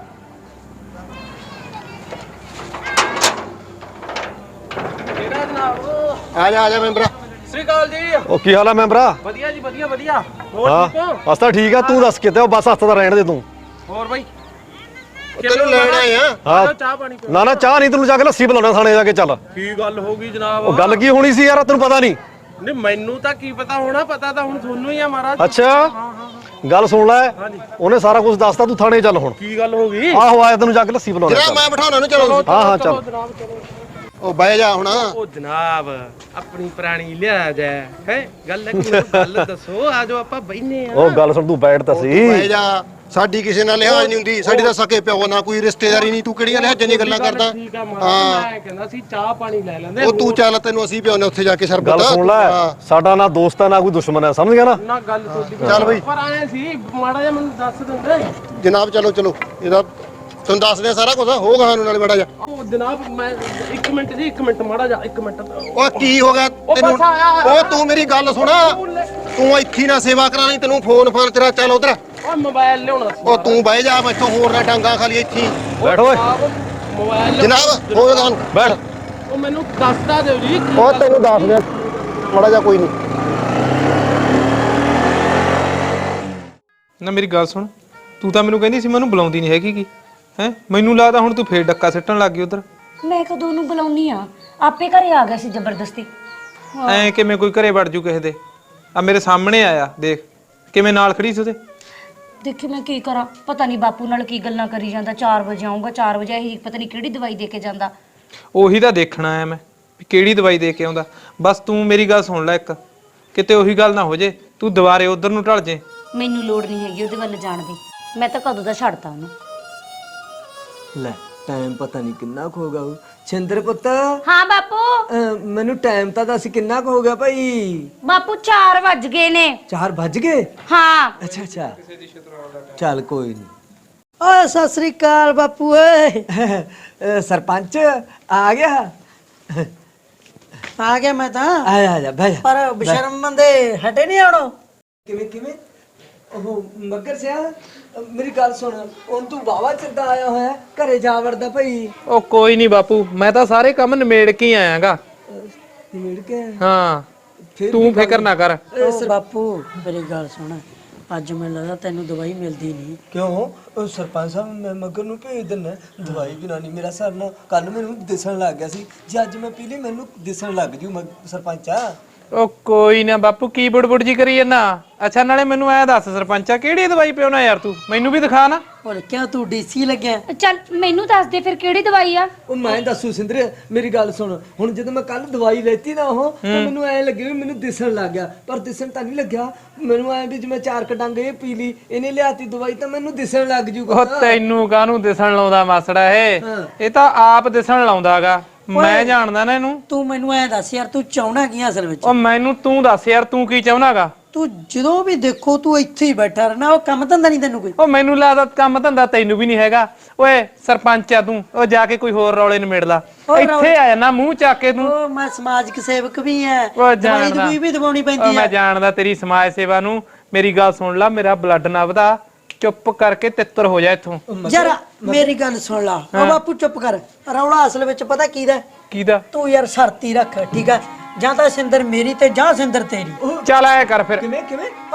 S2: ਕਿਹੜਾ ਜਨਾਬ
S10: ਆ ਜਾ ਮੈਂਬਰ
S2: ਸ੍ਰੀ ਅਕਾਲ ਜੀ
S5: ਉਹ ਕੀ ਹਾਲ ਆ ਮੈਂਬਰਾ
S2: ਵਧੀਆ ਜੀ ਵਧੀਆ ਹੋਰ ਠੀਕ ਹੋ
S5: ਹਾਂ ਅਸਤਾ ਠੀਕ ਆ ਤੂੰ ਦੱਸ ਕਿਤੇ ਉਹ ਬਸ ਹੱਥ ਦਾ ਰਹਿਣ ਦੇ ਤੂੰ
S2: ਹੋਰ ਬਾਈ
S10: ਤੈਨੂੰ ਲੈਣ ਆਏ ਆ
S5: ਹਾਂ
S2: ਚਾਹ ਪਾਣੀ ਪੀਓ।
S5: ਨਾ ਚਾਹ ਨਹੀਂ ਤੈਨੂੰ ਜਾ ਕੇ ਲੱਸੀ ਬੁਲਾਉਣਾ ਥਾਣੇ ਜਾ ਕੇ ਚੱਲ
S2: ਕੀ ਗੱਲ ਹੋ ਗਈ ਜਨਾਬ
S5: ਉਹ ਗੱਲ ਕੀ ਹੋਣੀ ਸੀ ਯਾਰ ਤੈਨੂੰ ਪਤਾ ਨਹੀਂ
S2: ਨਹੀਂ ਮੈਨੂੰ ਤਾਂ ਕੀ ਪਤਾ ਹੋਣਾ ਪਤਾ ਤਾਂ ਹੁਣ ਤੁਹਾਨੂੰ ਹੀ ਆ ਮਹਾਰਾਜ
S5: ਅੱਛਾ ਗੱਲ ਸੁਣ ਲੈ ਉਹਨੇ ਸਾਰਾ ਕੁਝ ਦੱਸਤਾ ਤੂੰ ਥਾਣੇ ਚੱਲ ਹੁਣ
S2: ਕੀ ਗੱਲ ਹੋ ਗਈ
S5: ਆਹੋ ਆਇਆ ਤੈਨੂੰ ਜਾ ਕੇ ਲੱਸੀ ਬੁਲਾਉਣਾ
S10: ਜਨਾਬ ਮੈਂ ਬਿਠਾਉਣਾ ਨੂੰ ਚਲੋ
S5: ਹਾਂ ਚੱਲ
S2: ਜਨਾਬ ਚਲੋ
S10: ਉਹ ਬਹਿ ਜਾ ਹੁਣ
S2: ਉਹ ਜਨਾਬ ਆਪਣੀ ਪੁਰਾਣੀ ਲਿਆ ਜਾ ਹੈ ਗੱਲ ਕੀ ਗੱਲ ਦੱਸੋ ਆਜੋ ਆਪਾਂ ਬੈਨੇ ਆ
S5: ਉਹ ਗੱਲ ਸੁਣ ਤੂੰ ਬੈਠ ਤਾਂ ਸੀ
S10: ਬਹਿ ਜਾ ਸਾਡੀ ਕਿਸੇ ਨਾਲ ਲਿਹਾਜ਼ ਨਹੀਂ ਹੁੰਦੀ ਸਾਡੀ ਤਾਂ ਸਕੇ ਪਿਓ ਨਾ ਕੋਈ ਰਿਸ਼ਤੇਦਾਰੀ ਨਹੀਂ ਤੂੰ ਕਿਹੜੀਆਂ ਲਿਹਾਜ਼ਾਂ ਦੀਆਂ ਗੱਲਾਂ ਕਰਦਾ
S2: ਠੀਕ ਆ ਮਹਾਰਾਜ ਮੈਂ ਕਹਿੰਦਾ ਸੀ ਚਾਹ ਪਾਣੀ ਲੈ ਲੈਂਦੇ
S10: ਉਹ ਤੂੰ ਚੱਲ ਤੈਨੂੰ ਅਸੀਂ ਪਿਆਉਨੇ ਉੱਥੇ ਜਾ ਕੇ ਸਰਬਤ
S5: ਗੱਲ ਸੁਣ ਲੈ ਸਾਡਾ ਨਾ ਦੋਸਤ ਹੈ ਨਾ ਕੋਈ ਦੁਸ਼ਮਣ ਹੈ ਸਮਝ ਗਿਆ ਨਾ
S2: ਨਾ ਗੱਲ ਤੁਹਾਡੀ
S10: ਚੱਲ ਬਈ
S2: ਪਰ ਆਏ ਸੀ ਮਾੜਾ ਜਿਹਾ ਮੈਨੂੰ ਦੱਸ ਦਿੰਦੇ
S10: ਜਨਾਬ ਚਲੋ ਇਹਦਾ ਤੁਹਾਨੂੰ ਦੱਸਦੇ ਆ ਸਾਰਾ ਕੁਝ ਹੋਗਾ ਸਾਨੂੰ ਨਾਲ ਬੜਾ ਜਾ
S2: ਉਹ ਜਨਾਬ ਮੈਂ 1 ਮਿੰਟ ਮਾੜਾ ਜਾ 1 ਮਿੰਟ
S10: ਉਹ ਕੀ ਹੋ ਗਿਆ ਤੈਨੂੰ
S2: ਬਸ ਆਇਆ।
S10: ਉਹ ਤੂੰ ਮੇਰੀ ਗੱਲ ਸੁਣ ਤੂੰ ਇੱਥੇ ਨਾ ਸੇਵਾ ਕਰਾਣੀ ਤੈਨੂੰ ਫੋਨ ਤੇਰਾ ਚੱਲ ਉਧਰ
S2: ਉਹ ਮੋਬਾਈਲ ਲਿਆਉਣਾ ਸੀ
S10: ਉਹ ਤੂੰ ਬਹਿ ਜਾ ਮੈਥੋਂ ਹੋਰ ਨਾ ਡਾਂਗਾ ਖਾਲੀ ਇੱਥੇ ਹੀ।
S5: ਬੈਠ ਓਏ
S2: ਮੋਬਾਈਲ
S10: ਜਨਾਬ ਹੋ ਗਿਆ
S5: ਬੈਠ
S2: ਉਹ ਮੈਨੂੰ ਦੱਸਦਾ ਦਿਓ ਜੀ
S10: ਉਹ ਤੈਨੂੰ ਦੱਸ ਦੇ ਮਾੜਾ ਜਾ ਕੋਈ ਨਹੀਂ
S11: ਨਾ ਮੇਰੀ ਗੱਲ ਸੁਣ ਤੂੰ ਤਾਂ ਮੈਨੂੰ ਕਹਿੰਦੀ ਸੀ ਮੈਨੂੰ ਬੁਲਾਉਂਦੀ ਨਹੀਂ ਹੈਗੀ ਕੀ ਹੈ ਮੈਨੂੰ ਲੱਗਦਾ ਹੁਣ ਤੂੰ ਫੇਰ ਡੱਕਾ ਸਿੱਟਣ ਲੱਗ ਗਈ ਉਧਰ
S4: ਮੈਂ ਕਦੋਂ ਨੂੰ ਬੁਲਾਉਣੀ ਆ ਆਪੇ ਘਰੇ ਆ ਗਿਆ ਸੀ ਜ਼ਬਰਦਸਤੀ
S11: ਐ ਕਿਵੇਂ ਕੋਈ ਘਰੇ ਵੜ ਜੂ ਕਿਸੇ ਦੇ ਆ ਮੇਰੇ ਸਾਹਮਣੇ ਆਇਆ ਦੇਖ ਕਿਵੇਂ ਨਾਲ ਖੜੀ ਸੀ ਉਹਦੇ
S4: ਦੇਖੀ ਮੈਂ ਕੀ ਕਰਾਂ ਪਤਾ ਨਹੀਂ ਬਾਪੂ ਨਾਲ ਕੀ ਗੱਲਾਂ ਕਰੀ ਜਾਂਦਾ 4 ਵਜੇ ਆਉਂਗਾ 4 ਵਜੇ ਇਹ ਪਤਾ ਨਹੀਂ ਕਿਹੜੀ ਦਵਾਈ ਦੇ ਕੇ ਜਾਂਦਾ
S11: ਉਹੀ ਤਾਂ ਦੇਖਣਾ ਆਇਆ ਮੈਂ ਵੀ ਕਿਹੜੀ ਦਵਾਈ ਦੇ ਕੇ ਆਉਂਦਾ ਬਸ ਤੂੰ ਮੇਰੀ ਗੱਲ ਸੁਣ ਲੈ ਇੱਕ ਕਿਤੇ ਉਹੀ ਗੱਲ ਨਾ ਹੋ ਜੇ ਤੂੰ ਦੁਬਾਰੇ ਉਧਰ ਨੂੰ ਢਲ ਜੇ
S4: ਮੈਨੂੰ ਲੋੜ ਨਹੀਂ ਹੈਗੀ ਉਹਦੇ ਵੱਲ ਜਾਣ ਦੀ ਮੈਂ ਤਾਂ ਕਦੋਂ ਦਾ ਛੱਡਤਾ ਉਹਨੂੰ
S12: ਲੈ ਟਾਈਮ ਪਤਾ ਨਹੀਂ ਕਿੰਨਾ ਕੁ ਹੋ ਗਿਆ ਉਹ। ਛਿੰਦਰ ਪੁੱਤ
S4: ਹਾਂ ਬਾਪੂ
S12: ਮੈਨੂੰ ਟਾਈਮ ਤਾਂ ਦੱਸ ਕਿੰਨਾ ਕੁ ਹੋ ਗਿਆ ਭਾਈ
S4: ਬਾਪੂ 4 ਵੱਜ ਗਏ ਨੇ
S12: 4 ਵੱਜ ਗਏ
S4: ਹਾਂ
S12: ਅੱਛਾ ਚੱਲ ਕੋਈ ਨਹੀਂ
S1: ਓਏ ਸਤਿ ਸ੍ਰੀ ਅਕਾਲ ਬਾਪੂ ਓਏ
S12: ਸਰਪੰਚ ਆ ਗਿਆ
S1: ਆ ਗਿਆ ਮੈਂ ਤਾਂ
S12: ਆ ਜਾ ਬਹਿ ਜਾ
S1: ਪਰ ਬਸ਼ਰਮ ਬੰਦੇ ਹਟੇ ਨਹੀਂ ਆਉਣੋ
S12: ਕਿਵੇਂ ਉਹ ਮੱਗਰ ਸਿਆ ਮੇਰੀ ਗੱਲ ਸੁਣ ਹੁਣ ਤੂੰ ਵਾਵਾ ਚਿਰਦਾ ਆਇਆ ਹੋਇਆ ਘਰੇ ਜਾ ਵੜਦਾ ਭਾਈ
S11: ਉਹ ਕੋਈ ਨਹੀਂ ਬਾਪੂ ਮੈਂ ਤਾਂ ਸਾਰੇ ਕੰਮ ਨਿਮੇੜ ਕੇ ਹੀ ਆਇਆਗਾ
S12: ਮਿਲ ਕੇ
S11: ਹਾਂ ਤੂੰ ਫਿਕਰ ਨਾ ਕਰ
S1: ਓ ਬਾਪੂ ਮੇਰੀ ਗੱਲ ਸੁਣ ਅੱਜ ਮੈਨੂੰ ਲੱਗਦਾ ਤੈਨੂੰ ਦਵਾਈ ਮਿਲਦੀ ਨਹੀਂ
S12: ਕਿਉਂ ਉਹ ਸਰਪੰਚ ਸਾਹਿਬ ਮੈਂ ਮਗਰ ਨੂੰ ਭੇਜ ਦਿੰਦਾ ਦਵਾਈ ਵੀ ਨਾ ਨਹੀਂ ਮੇਰਾ ਸਰ ਨਾ ਕੱਲ ਮੈਨੂੰ ਦਿਸਣ ਲੱਗ ਗਿਆ ਸੀ ਜੇ ਅੱਜ ਮੈਂ ਪੀ ਲਈ ਮੈਨੂੰ ਦਿਸਣ ਲੱਗ ਜੂ ਸਰਪੰਚਾ
S11: ਉਹ ਕੋਈ ਨਾ ਬਾਪੂ ਕੀ ਬੁੜਬੁੜ ਜੀ ਕਰੀ ਜਾਂਦਾ ਅੱਛਾ ਨਾਲੇ ਮੈਨੂੰ ਐ ਦੱਸ ਸਰਪੰਚਾ ਕਿਹੜੀ ਦਵਾਈ ਪਿਉਣਾ ਯਾਰ ਤੂੰ ਮੈਨੂੰ ਵੀ ਦਿਖਾ ਨਾ
S1: ਹੋਰ ਕਿਉਂ ਤੂੰ ਡੀਸੀ ਲੱਗਿਆ
S4: ਚੱਲ ਮੈਨੂੰ ਦੱਸ ਦੇ ਫਿਰ ਕਿਹੜੀ ਦਵਾਈ ਆ
S12: ਉਹ ਮੈਂ ਦੱਸੂ ਸਿੰਦਰ ਮੇਰੀ ਗੱਲ ਸੁਣ ਹੁਣ ਜਦੋਂ ਮੈਂ ਕੱਲ ਦਵਾਈ ਲੈਤੀ ਨਾ ਉਹ ਤਾਂ ਮੈਨੂੰ ਐ ਲੱਗੇ ਵੀ ਮੈਨੂੰ ਦਿਸਣ ਲੱਗ ਗਿਆ ਪਰ ਦਿਸਣ ਤਾਂ ਨਹੀਂ ਲੱਗਿਆ ਮੈਨੂੰ ਐ ਵੀ ਜਿਵੇਂ 4 ਕਡੰਗ ਇਹ ਪੀ ਲਈ ਇਹਨੇ ਲਿਆਤੀ ਦਵਾਈ ਤਾਂ ਮੈਨੂੰ ਦਿਸਣ ਲੱਗ ਜੂਗਾ
S11: ਉਹ ਤੈਨੂੰ ਕਾਹਨੂੰ ਦਿਸਣ ਲਾਉਂਦਾ ਮਾਸੜਾ ਇਹ ਤਾਂ ਆਪ ਦਿਸਣ ਲਾਉਂਦਾਗਾ ਮੈਂ ਜਾਣਦਾ ਨਾ ਇਹਨੂੰ।
S1: ਤੂੰ ਮੈਨੂੰ ਐ ਦੱਸ ਯਾਰ, ਤੂੰ ਚਾਹਣਾ ਕੀ ਆ ਅਸਲ ਵਿੱਚ?
S11: ਉਹ ਮੈਨੂੰ ਤੂੰ ਦੱਸ ਯਾਰ, ਤੂੰ ਕੀ ਚਾਹੁੰਦਾਗਾ?
S1: ਤੂੰ ਜਦੋਂ ਵੀ ਦੇਖੋ ਤੂੰ ਇੱਥੇ ਹੀ ਬੈਠਾ ਰਹਿਣਾ, ਉਹ ਕੰਮ ਧੰਦਾ ਨਹੀਂ ਤੈਨੂੰ ਕੋਈ?
S11: ਉਹ ਮੈਨੂੰ ਲੱਗਦਾ ਕੰਮ ਧੰਦਾ ਤੈਨੂੰ ਵੀ ਨਹੀਂ ਹੈਗਾ। ਓਏ ਸਰਪੰਚ ਆ ਤੂੰ, ਉਹ ਜਾ ਕੇ ਕੋਈ ਹੋਰ ਰੌਲੇ ਨਿਮੇੜ ਲਾ। ਇੱਥੇ ਆ ਜਾਣਾ ਮੂੰਹ ਚੱਕ ਕੇ ਤੂੰ।
S1: ਉਹ ਮੈਂ ਸਮਾਜਿਕ ਸੇਵਕ ਵੀ ਐ,
S11: ਉਹ ਜਾਣਦਾ,
S1: ਦਵਾਈ ਵੀ ਦਵਾਉਣੀ
S11: ਉਹ
S1: ਪੈਂਦੀ
S11: ਮੈਂ
S1: ਐ।
S11: ਜਾਣਦਾ ਤੇਰੀ ਸਮਾਜ ਸੇਵਾ ਨੂੰ। ਮੇਰੀ ਗੱਲ ਸੁਣ ਲੈ, ਮੇਰਾ ਬਲੱਡ ਨਾ ਵਧਾ, ਚੁੱਪ ਕਰਕੇ ਤਿੱਤਰ ਹੋ ਜਾ ਇੱਥੋਂ।
S1: ਯਾਰ ਮੇਰੀ ਗੱਲ ਸੁਣ ਲਾ, ਉਹ ਬਾਪੂ ਚੁੱਪ ਕਰ। ਰੌਲਾ ਅਸਲ ਵਿੱਚ ਪਤਾ ਕੀਦਾ?
S11: ਕਿਹਦਾ?
S1: ਤੂੰ ਯਾਰ ਸ਼ਰਤੀ ਰੱਖ, ਠੀਕ ਆ? ਜਾਂ ਤਾਂ ਸਿੰਦਰ ਮੇਰੀ ਤੇ ਜਾਂ ਸਿੰਦਰ ਤੇਰੀ।
S11: ਚੱਲ ਆਇਆ ਕਰ ਫਿਰ।
S12: ਕਿਵੇਂ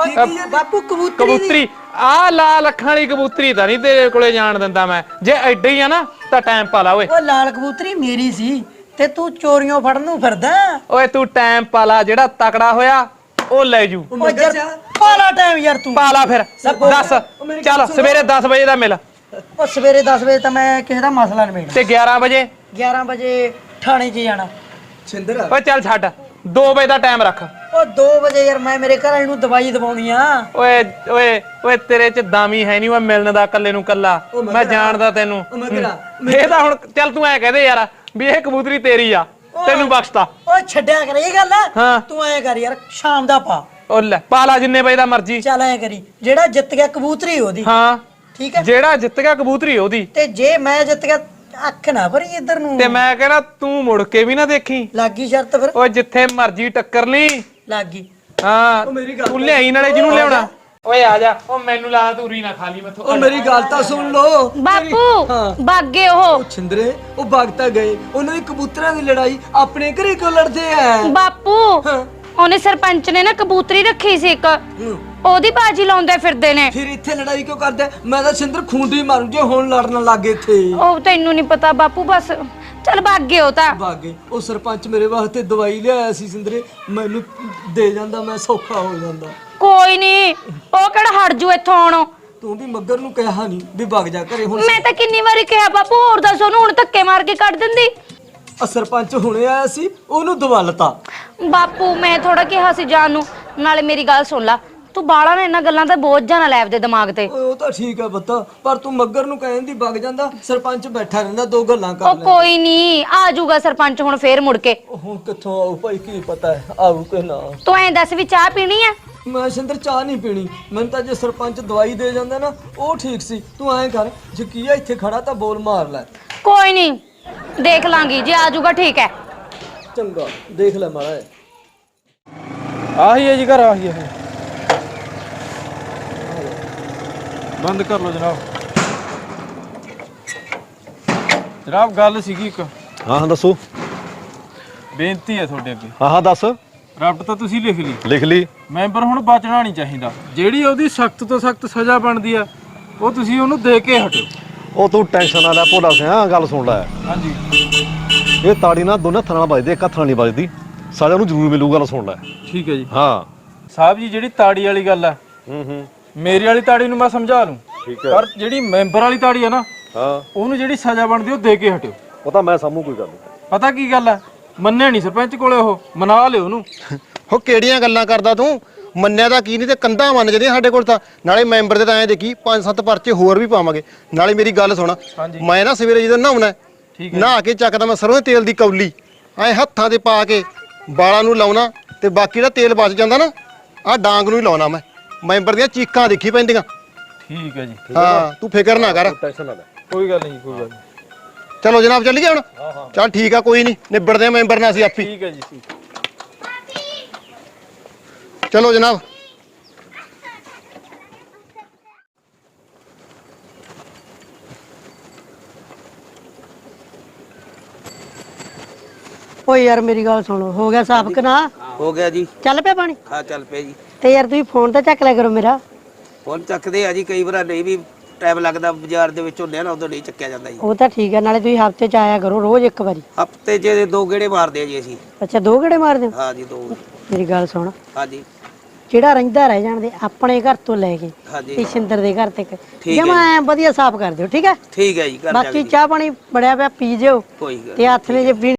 S1: ਬਾਪੂ ਕਬੂਤਰੀ
S11: ਕਬੂਤਰੀ ਆ ਲਾਲ ਅੱਖਾਂ ਵਾਲੀ ਕਬੂਤਰੀ ਤਾਂ ਨਹੀਂ ਤੇਰੇ ਕੋਲੇ ਜਾਣ ਦਿੰਦਾ ਮੈਂ। ਜੇ ਐਡੇ ਹੀ ਆ ਨਾ ਤਾਂ ਟਾਈਮ ਪਾ ਲਾ ਓਏ।
S1: ਉਹ ਲਾਲ ਕਬੂਤਰੀ ਮੇਰੀ ਸੀ ਤੇ ਤੂੰ ਚੋਰੀਆਂ ਫੜਨ ਨੂੰ ਫਿਰਦਾ।
S11: ਓਏ ਤੂੰ ਟਾਈਮ ਪਾ ਲਾ, ਜਿਹੜਾ ਤਕੜਾ ਹੋਇਆ ਉਹ ਲੈ ਜੂ।
S1: ਉਹ ਯਾਰ ਪਾਲਾ ਟਾਈਮ ਯਾਰ ਤੂੰ।
S11: ਪਾ ਲਾ ਫਿਰ। ਦੱਸ, ਚੱਲ ਸਵੇਰੇ 10 ਵਜੇ ਦਾ ਮਿਲ।
S1: ਉਹ ਸਵੇਰੇ 10 ਵਜੇ ਤਾਂ ਮੈਂ ਕਿਸੇ ਦਾ ਮਸਲਾ ਨਿਬੇੜਨਾ
S11: ਤੇ 11 ਵਜੇ?
S1: 11 ਵਜੇ ਥਾਣੇ 'ਚ ਜਾਣਾ।
S12: ਛਿੰਦਰ
S11: ਓਏ ਚੱਲ ਛੱਡ, 2 ਵਜੇ ਦਾ ਟਾਈਮ ਰੱਖ।
S1: ਉਹ 2 ਵਜੇ ਯਾਰ ਮੈਂ ਮੇਰੇ ਘਰ ਵਾਲੇ ਨੂੰ ਦਵਾਈ ਦਵਾਉਣੀ ਆ।
S11: ਓਏ ਓਏ ਓਏ ਤੇਰੇ 'ਚ ਦਾਮੀ ਹੈ ਨਹੀਂ ਓਏ ਮਿਲਣ ਦਾ, ਕੱਲੇ ਨੂੰ ਕੱਲਾ। ਮੈਂ ਜਾਣਦਾ ਤੈਨੂੰ। ਇਹ ਤਾਂ ਹੁਣ ਚੱਲ ਤੂੰ ਐ ਕਹਦੇ ਯਾਰ ਵੀ ਇਹ ਕਬੂਤਰੀ ਤੇਰੀ ਆ, ਤੈਨੂੰ ਬਖਸ਼ਤਾ।
S1: ਓਏ ਛੱਡਿਆ ਕਰ ਇਹ ਗੱਲ।
S11: ਹਾਂ।
S1: ਤੂੰ ਐ ਕਰ ਯਾਰ, ਸ਼ਾਮ ਦਾ ਪਾ।
S11: ਉਹ ਲੈ ਪਾ ਲਾ ਜਿੰਨੇ ਵਜੇ ਦਾ ਮਰਜੀ।
S1: ਚੱਲ ਐ ਕਰੀ, ਜਿਹੜਾ ਜਿੱਤ ਗਿਆ ਕਬੂਤਰੀ ਉਹਦੀ।
S11: ਹਾਂ
S1: ਠੀਕ ਹੈ।
S11: ਜਿਹੜਾ ਜਿੱਤ ਗਿਆ ਕਬੂਤਰੀ ਉਹਦੀ।
S1: ਤੇ ਜੇ ਮੈਂ ਜਿੱਤ ਗਿਆ, ਅੱਖ ਨਾ ਭਰੀ ਇੱਧਰ ਨੂੰ।
S11: ਤੇ ਮੈਂ ਕਹਿੰਦਾ ਤੂੰ ਮੁੜ ਕੇ ਵੀ ਨਾ ਦੇਖੀ।
S1: ਲੱਗੀ ਸ਼ਰਤ ਫਿਰ?
S11: ਓਏ ਜਿੱਥੇ ਮਰਜੀ ਟੱਕਰ ਲਈ।
S1: ਲੱਗੀ।
S11: ਹਾਂ ਤੂੰ ਲਿਆਈ ਨਾਲੇ ਜਿਹਨੂੰ ਲਿਆਉਣਾ। ਓਏ ਆ ਜਾ। ਉਹ ਮੈਨੂੰ ਲਾ ਤੂਰੀ ਨਾ ਖਾ ਲਈ ਮੈਥੋਂ।
S12: ਉਹ ਮੇਰੀ ਗੱਲ ਤਾਂ ਸੁਣ ਲੋ
S7: ਬਾਪੂ ਬਾਗੇ ਉਹ
S12: ਛਿੰਦਰੇ, ਉਹ ਭਗਤਾ ਗਏ। ਉਹਨਾਂ ਦੀ ਕਬੂਤਰਾਂ ਦੀ ਲੜਾਈ ਆਪਣੇ ਘਰੇ ਕਿਉਂ ਲੜਦੇ ਆ?
S7: ਬਾਪੂ ਉਹਨੇ ਸਰਪੰਚ ਨੇ ਨਾ ਕਬੂਤਰੀ ਰੱਖੀ ਸੀ ਇੱਕ, ਉਹਦੀ ਬਾਜੀ ਲਾਉਂਦੇ ਫਿਰਦੇ ਨੇ।
S12: ਫਿਰ ਇੱਥੇ ਲੜਾਈ ਕਿਉਂ ਕਰਦੇ? ਮੈਂ ਤਾਂ ਛਿੰਦਰ ਖੁੰਡੀ ਮਾਰੂ ਜੇ ਹੁਣ ਲੜਨ ਲੱਗੇ ਇੱਥੇ।
S7: ਉਹ ਤੈਨੂੰ ਨਹੀਂ ਪਤਾ ਬਾਪੂ, ਬਸ ਚੱਲ ਬਾਗੇ ਉਹ ਤਾਂ।
S12: ਬਾਗੇ ਉਹ ਸਰਪੰਚ ਮੇਰੇ ਵਾਸਤੇ ਦਵਾਈ ਲਿਆਇਆ ਸੀ ਸਿੰਦਰੇ, ਮੈਨੂੰ ਦੇ ਜਾਂਦਾ ਮੈਂ ਸੌਖਾ ਹੋ ਜਾਂਦਾ।
S7: ਕੋਈ ਨਹੀਂ, ਉਹ ਕਿਹੜਾ ਹਟ ਜੂ ਇੱਥੋਂ ਆਉਣੋਂ।
S12: ਤੂੰ ਵੀ ਮੱਗਰ ਨੂੰ ਕਿਹਾ ਨਹੀਂ ਵੀ ਵਗ ਜਾ ਘਰੇ ਹੁਣ।
S7: ਮੈਂ ਤਾਂ ਕਿੰਨੀ ਵਾਰੀ ਕਿਹਾ ਬਾਪੂ, ਹੋਰ ਦੱਸ ਉਹਨੂੰ ਹੁਣ ਧੱਕੇ ਮਾਰ ਕੇ ਕੱਢ ਦਿੰਦੀ।
S12: ਸਰਪੰਚ ਹੁਣੇ ਆਇਆ ਸੀ, ਉਹਨੂੰ ਦਵਾਲਤਾ।
S7: ਬਾਪੂ ਮੈਂ ਥੋੜਾ ਕਿਹਾ ਸੀ ਜਾਨ ਨੂੰ। ਨਾਲੇ ਮੇਰੀ ਗੱਲ ਸੁਣ ਲਾ, ਤੂੰ ਬਾਲਾ ਨੇ ਇਹਨਾਂ ਗੱਲਾਂ ਦਾ ਬੋਝ ਜਾਂ ਨਾ ਲੈ ਆਪਦੇ ਦਿਮਾਗ ਤੇ।
S12: ਉਹ ਤਾਂ ਠੀਕ ਹੈ ਬੱਤਾ, ਪਰ ਤੂੰ ਮੱਗਰ ਨੂੰ ਕਹਿੰਦੀ ਵਗ ਜਾਂਦਾ। ਸਰਪੰਚ ਬੈਠਾ ਰਹਿੰਦਾ, 2 ਗੱਲਾਂ ਕਰ
S7: ਉਹ ਕੋਈ ਨਹੀਂ, ਆ ਜਾਊਗਾ ਸਰਪੰਚ ਹੁਣ ਫੇਰ ਮੁੜ ਕੇ।
S12: ਹੁਣ ਕਿੱਥੋਂ ਆਊ ਭਾਈ, ਕੀ ਪਤਾ ਹੈ ਆਊ ਕਿ ਨਾ।
S7: ਤੂੰ ਐਂ ਦੱਸ ਵੀ ਚਾਹ ਪੀਣੀ ਆ?
S12: ਮੈਂ ਸਿੰਦਰ ਚਾਹ ਨਹੀਂ ਪੀਣੀ। ਮੈਨੂੰ ਤਾਂ ਜੇ ਸਰਪੰਚ ਦਵਾਈ ਦੇ ਜਾਂਦਾ ਨਾ ਉਹ ਠੀਕ ਸੀ। ਤੂੰ ਐਂ ਕਰ, ਜੇ ਕੀਆ ਇੱਥੇ ਖੜਾ ਤਾਂ ਬੋਲ ਮਾਰ ਲੈ।
S7: ਕੋਈ ਨਹੀਂ, ਦੇਖ ਲਾਂਗੀ, ਜੇ ਆ ਜਾਊਗਾ ਠੀਕ ਹੈ।
S12: ਚੰਗਾ ਦੇਖ ਲੈ ਮਾਰਾ।
S2: ਆਹੀ ਹੈ ਜੀ ਘਰ, ਆਹੀ ਹੈ। ਬੰਦ ਕਰ ਲਓ ਜਨਾਬ। ਜਨਾਬ ਗੱਲ ਸੀਗੀ ਇੱਕ।
S10: ਹਾਂ ਦੱਸੋ।
S2: ਬੇਨਤੀ ਹੈ ਤੁਹਾਡੇ ਅੱਗੇ।
S10: ਹਾਂ ਦੱਸ।
S2: ਰੱਬ ਤਾਂ ਤੁਸੀਂ ਲਿਖ ਲਈ।
S10: ਲਿਖ ਲਈ।
S2: ਮੈਂਬਰ ਹੁਣ ਬਚਣਾ ਨਹੀਂ ਚਾਹੀਦਾ। ਜਿਹੜੀ ਉਹਦੀ ਸਖਤ ਤੋਂ ਸਖਤ ਸਜ਼ਾ ਬਣਦੀ ਆ ਉਹ ਤੁਸੀਂ ਉਹਨੂੰ ਦੇ ਕੇ ਹਟੋ।
S10: ਉਹ ਤੂੰ ਟੈਨਸ਼ਨ ਨਾ ਲੈ ਭੋਲਾ ਸਿਆ, ਗੱਲ ਸੁਣ ਲੈ।
S2: ਹਾਂਜੀ।
S10: ਇਹ ਤਾੜੀ ਨਾਲ ਦੋਨੇ ਹੱਥਾਂ ਨਾਲ ਵੱਜਦੀ, ਇੱਕ ਹੱਥ ਨਾਲ ਨਹੀਂ ਵੱਜਦੀ। ਸਜ਼ਾ ਨੂੰ ਜ਼ਰੂਰ ਮਿਲੂ, ਗੱਲ ਸੁਣ ਲੈ।
S2: ਠੀਕ ਹੈ ਜੀ।
S10: ਹਾਂ
S2: ਸਾਹਿਬ ਜੀ, ਜਿਹੜੀ ਤਾੜੀ ਵਾਲੀ ਗੱਲ ਆ, ਮੇਰੀ ਵਾਲੀ ਤਾੜੀ ਨੂੰ ਮੈਂ ਸਮਝਾ ਲੂੰ।
S10: ਠੀਕ ਹੈ।
S2: ਪਰ ਜਿਹੜੀ ਮੈਂਬਰ ਵਾਲੀ ਤਾੜੀ ਆ ਨਾ,
S10: ਹਾਂ
S2: ਉਹਨੂੰ ਜਿਹੜੀ ਸਜ਼ਾ ਬਣਦੀ ਉਹ ਦੇ ਕੇ ਹਟਿਓ।
S10: ਉਹ ਤਾਂ ਮੈਂ ਸਾਹਮੂ ਕੋਈ ਗੱਲ ਨਹੀਂ।
S2: ਪਤਾ ਕੀ ਗੱਲ ਆ, ਮੰਨਿਆ ਨਹੀਂ ਸਰਪੰਚ ਕੋਲੇ, ਉਹ ਮਨਾ ਲਿਓ ਉਹਨੂੰ।
S10: ਹੋ ਕਿਹੜੀਆਂ ਗੱਲਾਂ ਕਰਦਾ ਤੂੰ? ਮੰਨਿਆ ਤਾਂ ਕੀ ਨਹੀਂ ਤੇ ਕੰਧਾਂ ਮੰਨ ਜਦੀਆਂ ਸਾਡੇ ਕੋਲ ਤਾਂ। ਨਾਲੇ ਮੈਂਬਰ ਦੇ ਤਾਂ ਐਂ ਦੇਖੀ 5-7 ਪਰਚੇ ਹੋਰ ਵੀ ਪਾਵਾਂਗੇ। ਨਾਲੇ ਮੇਰੀ ਗੱਲ ਸੁਣ, ਮੈਂ ਨਾ ਸਵੇਰੇ ਜਦੋਂ ਨਹਾਉਣਾ, ਨਹਾ ਕੇ ਚੱਕਦਾ ਮੈਂ ਸਰੋਂ ਦੇ ਤੇਲ ਦੀ ਕੌਲੀ ਐ ਹੱਥਾਂ ਤੇ ਪਾ ਕੇ ਵਾਲਾਂ ਨੂੰ ਲਾਉਣਾ, ਤੇ ਬਾਕੀ ਦਾ ਤੇਲ ਬਚ ਜਾਂਦਾ ਨਾ, ਆਹ ਡਾਂਗ ਨੂੰ ਹੀ ਲਾਉਣਾ ਮੈਂ। ਮੈਂਬਰ ਦੀਆਂ ਚੀਕਾਂ ਦੇਖੀ ਪੈਂਦੀਆਂ।
S2: ਠੀਕ ਹੈ ਜੀ।
S10: ਹਾਂ ਤੂੰ ਫਿਕਰ ਨਾ ਕਰ।
S2: ਟੈਨਸ਼ਨ ਨਾ ਲੈ, ਕੋਈ ਗੱਲ ਨਹੀਂ, ਕੋਈ ਗੱਲ ਨਹੀਂ।
S10: ਚਲੋ ਜਨਾਬ ਚੱਲੀਏ ਹੁਣ। ਚੱਲ ਠੀਕ ਆ, ਕੋਈ ਨਹੀਂ, ਨਿਬੜਦੇ ਆ ਮੈਂਬਰ ਨਾਲ ਅਸੀਂ ਆਪੀ।
S2: ਠੀਕ ਹੈ ਜੀ, ਠੀਕ।
S10: ਚਲੋ ਜਨਾਬ।
S1: ਓਏ ਯਾਰ ਮੇਰੀ ਗੱਲ ਸੁਣੋ, ਹੋ ਗਿਆ ਸਾਫ ਕਿ ਨਾ?
S13: ਹੋ ਗਿਆ ਜੀ।
S1: ਚੱਲ ਪਿਆ ਪਾਣੀ?
S13: ਹਾਂ ਚੱਲ ਪਿਆ ਜੀ।
S1: ਤੇ ਯਾਰ ਤੁਸੀਂ ਫੋਨ ਤਾਂ ਚੱਕ ਲਿਆ ਕਰੋ ਮੇਰਾ।
S13: ਫੋਨ ਚੱਕਦੇ ਆ ਜੀ, ਕਈ ਵਾਰ ਨਹੀਂ ਵੀ ਟਾਈਮ ਲੱਗਦਾ ਬਾਜ਼ਾਰ ਦੇ ਵਿੱਚ ਹੁੰਦੇ ਆ ਨਾ, ਉਦੋਂ ਨਹੀਂ ਚੱਕਿਆ ਜਾਂਦਾ ਜੀ।
S1: ਉਹ ਤਾਂ ਠੀਕ ਹੈ, ਨਾਲੇ ਤੁਸੀਂ ਹਫਤੇ ਚ ਆਇਆ ਕਰੋ, ਰੋਜ਼ ਇੱਕ ਵਾਰੀ।
S13: ਹਫਤੇ 'ਚ 2 ਗੇੜੇ ਮਾਰਦੇ ਆ ਜੀ ਅਸੀਂ।
S1: ਅੱਛਾ 2 ਗੇੜੇ ਮਾਰਦੇ ਹੋ?
S13: ਹਾਂ ਜੀ 2।
S1: ਮੇਰੀ ਗੱਲ ਸੁਣ,
S13: ਹਾਂਜੀ
S1: ਜਿਹੜਾ ਰਹਿੰਦਾ ਰਹਿ ਜਾਣਦੇ ਆਪਣੇ ਘਰ ਤੋਂ ਲੈ ਕੇ
S13: ਹਾਂਜੀ
S1: ਤੇ ਸਿੰਦਰ ਦੇ ਘਰ ਤੱਕ
S13: ਹੈ
S1: ਜਮਾ ਐ ਵਧੀਆ ਸਾਫ਼ ਕਰ ਦਿਓ, ਠੀਕ ਹੈ?
S13: ਠੀਕ ਹੈ ਜੀ, ਕਰ
S1: ਬਾਕੀ ਚਾਹ ਪਾਣੀ ਬੜਿਆ ਪਿਆ ਪੀ ਜਿਓ
S13: ਕੋਈ ਗੱਲ
S1: ਤੇ ਹੱਥ ਨੇ ਜੇ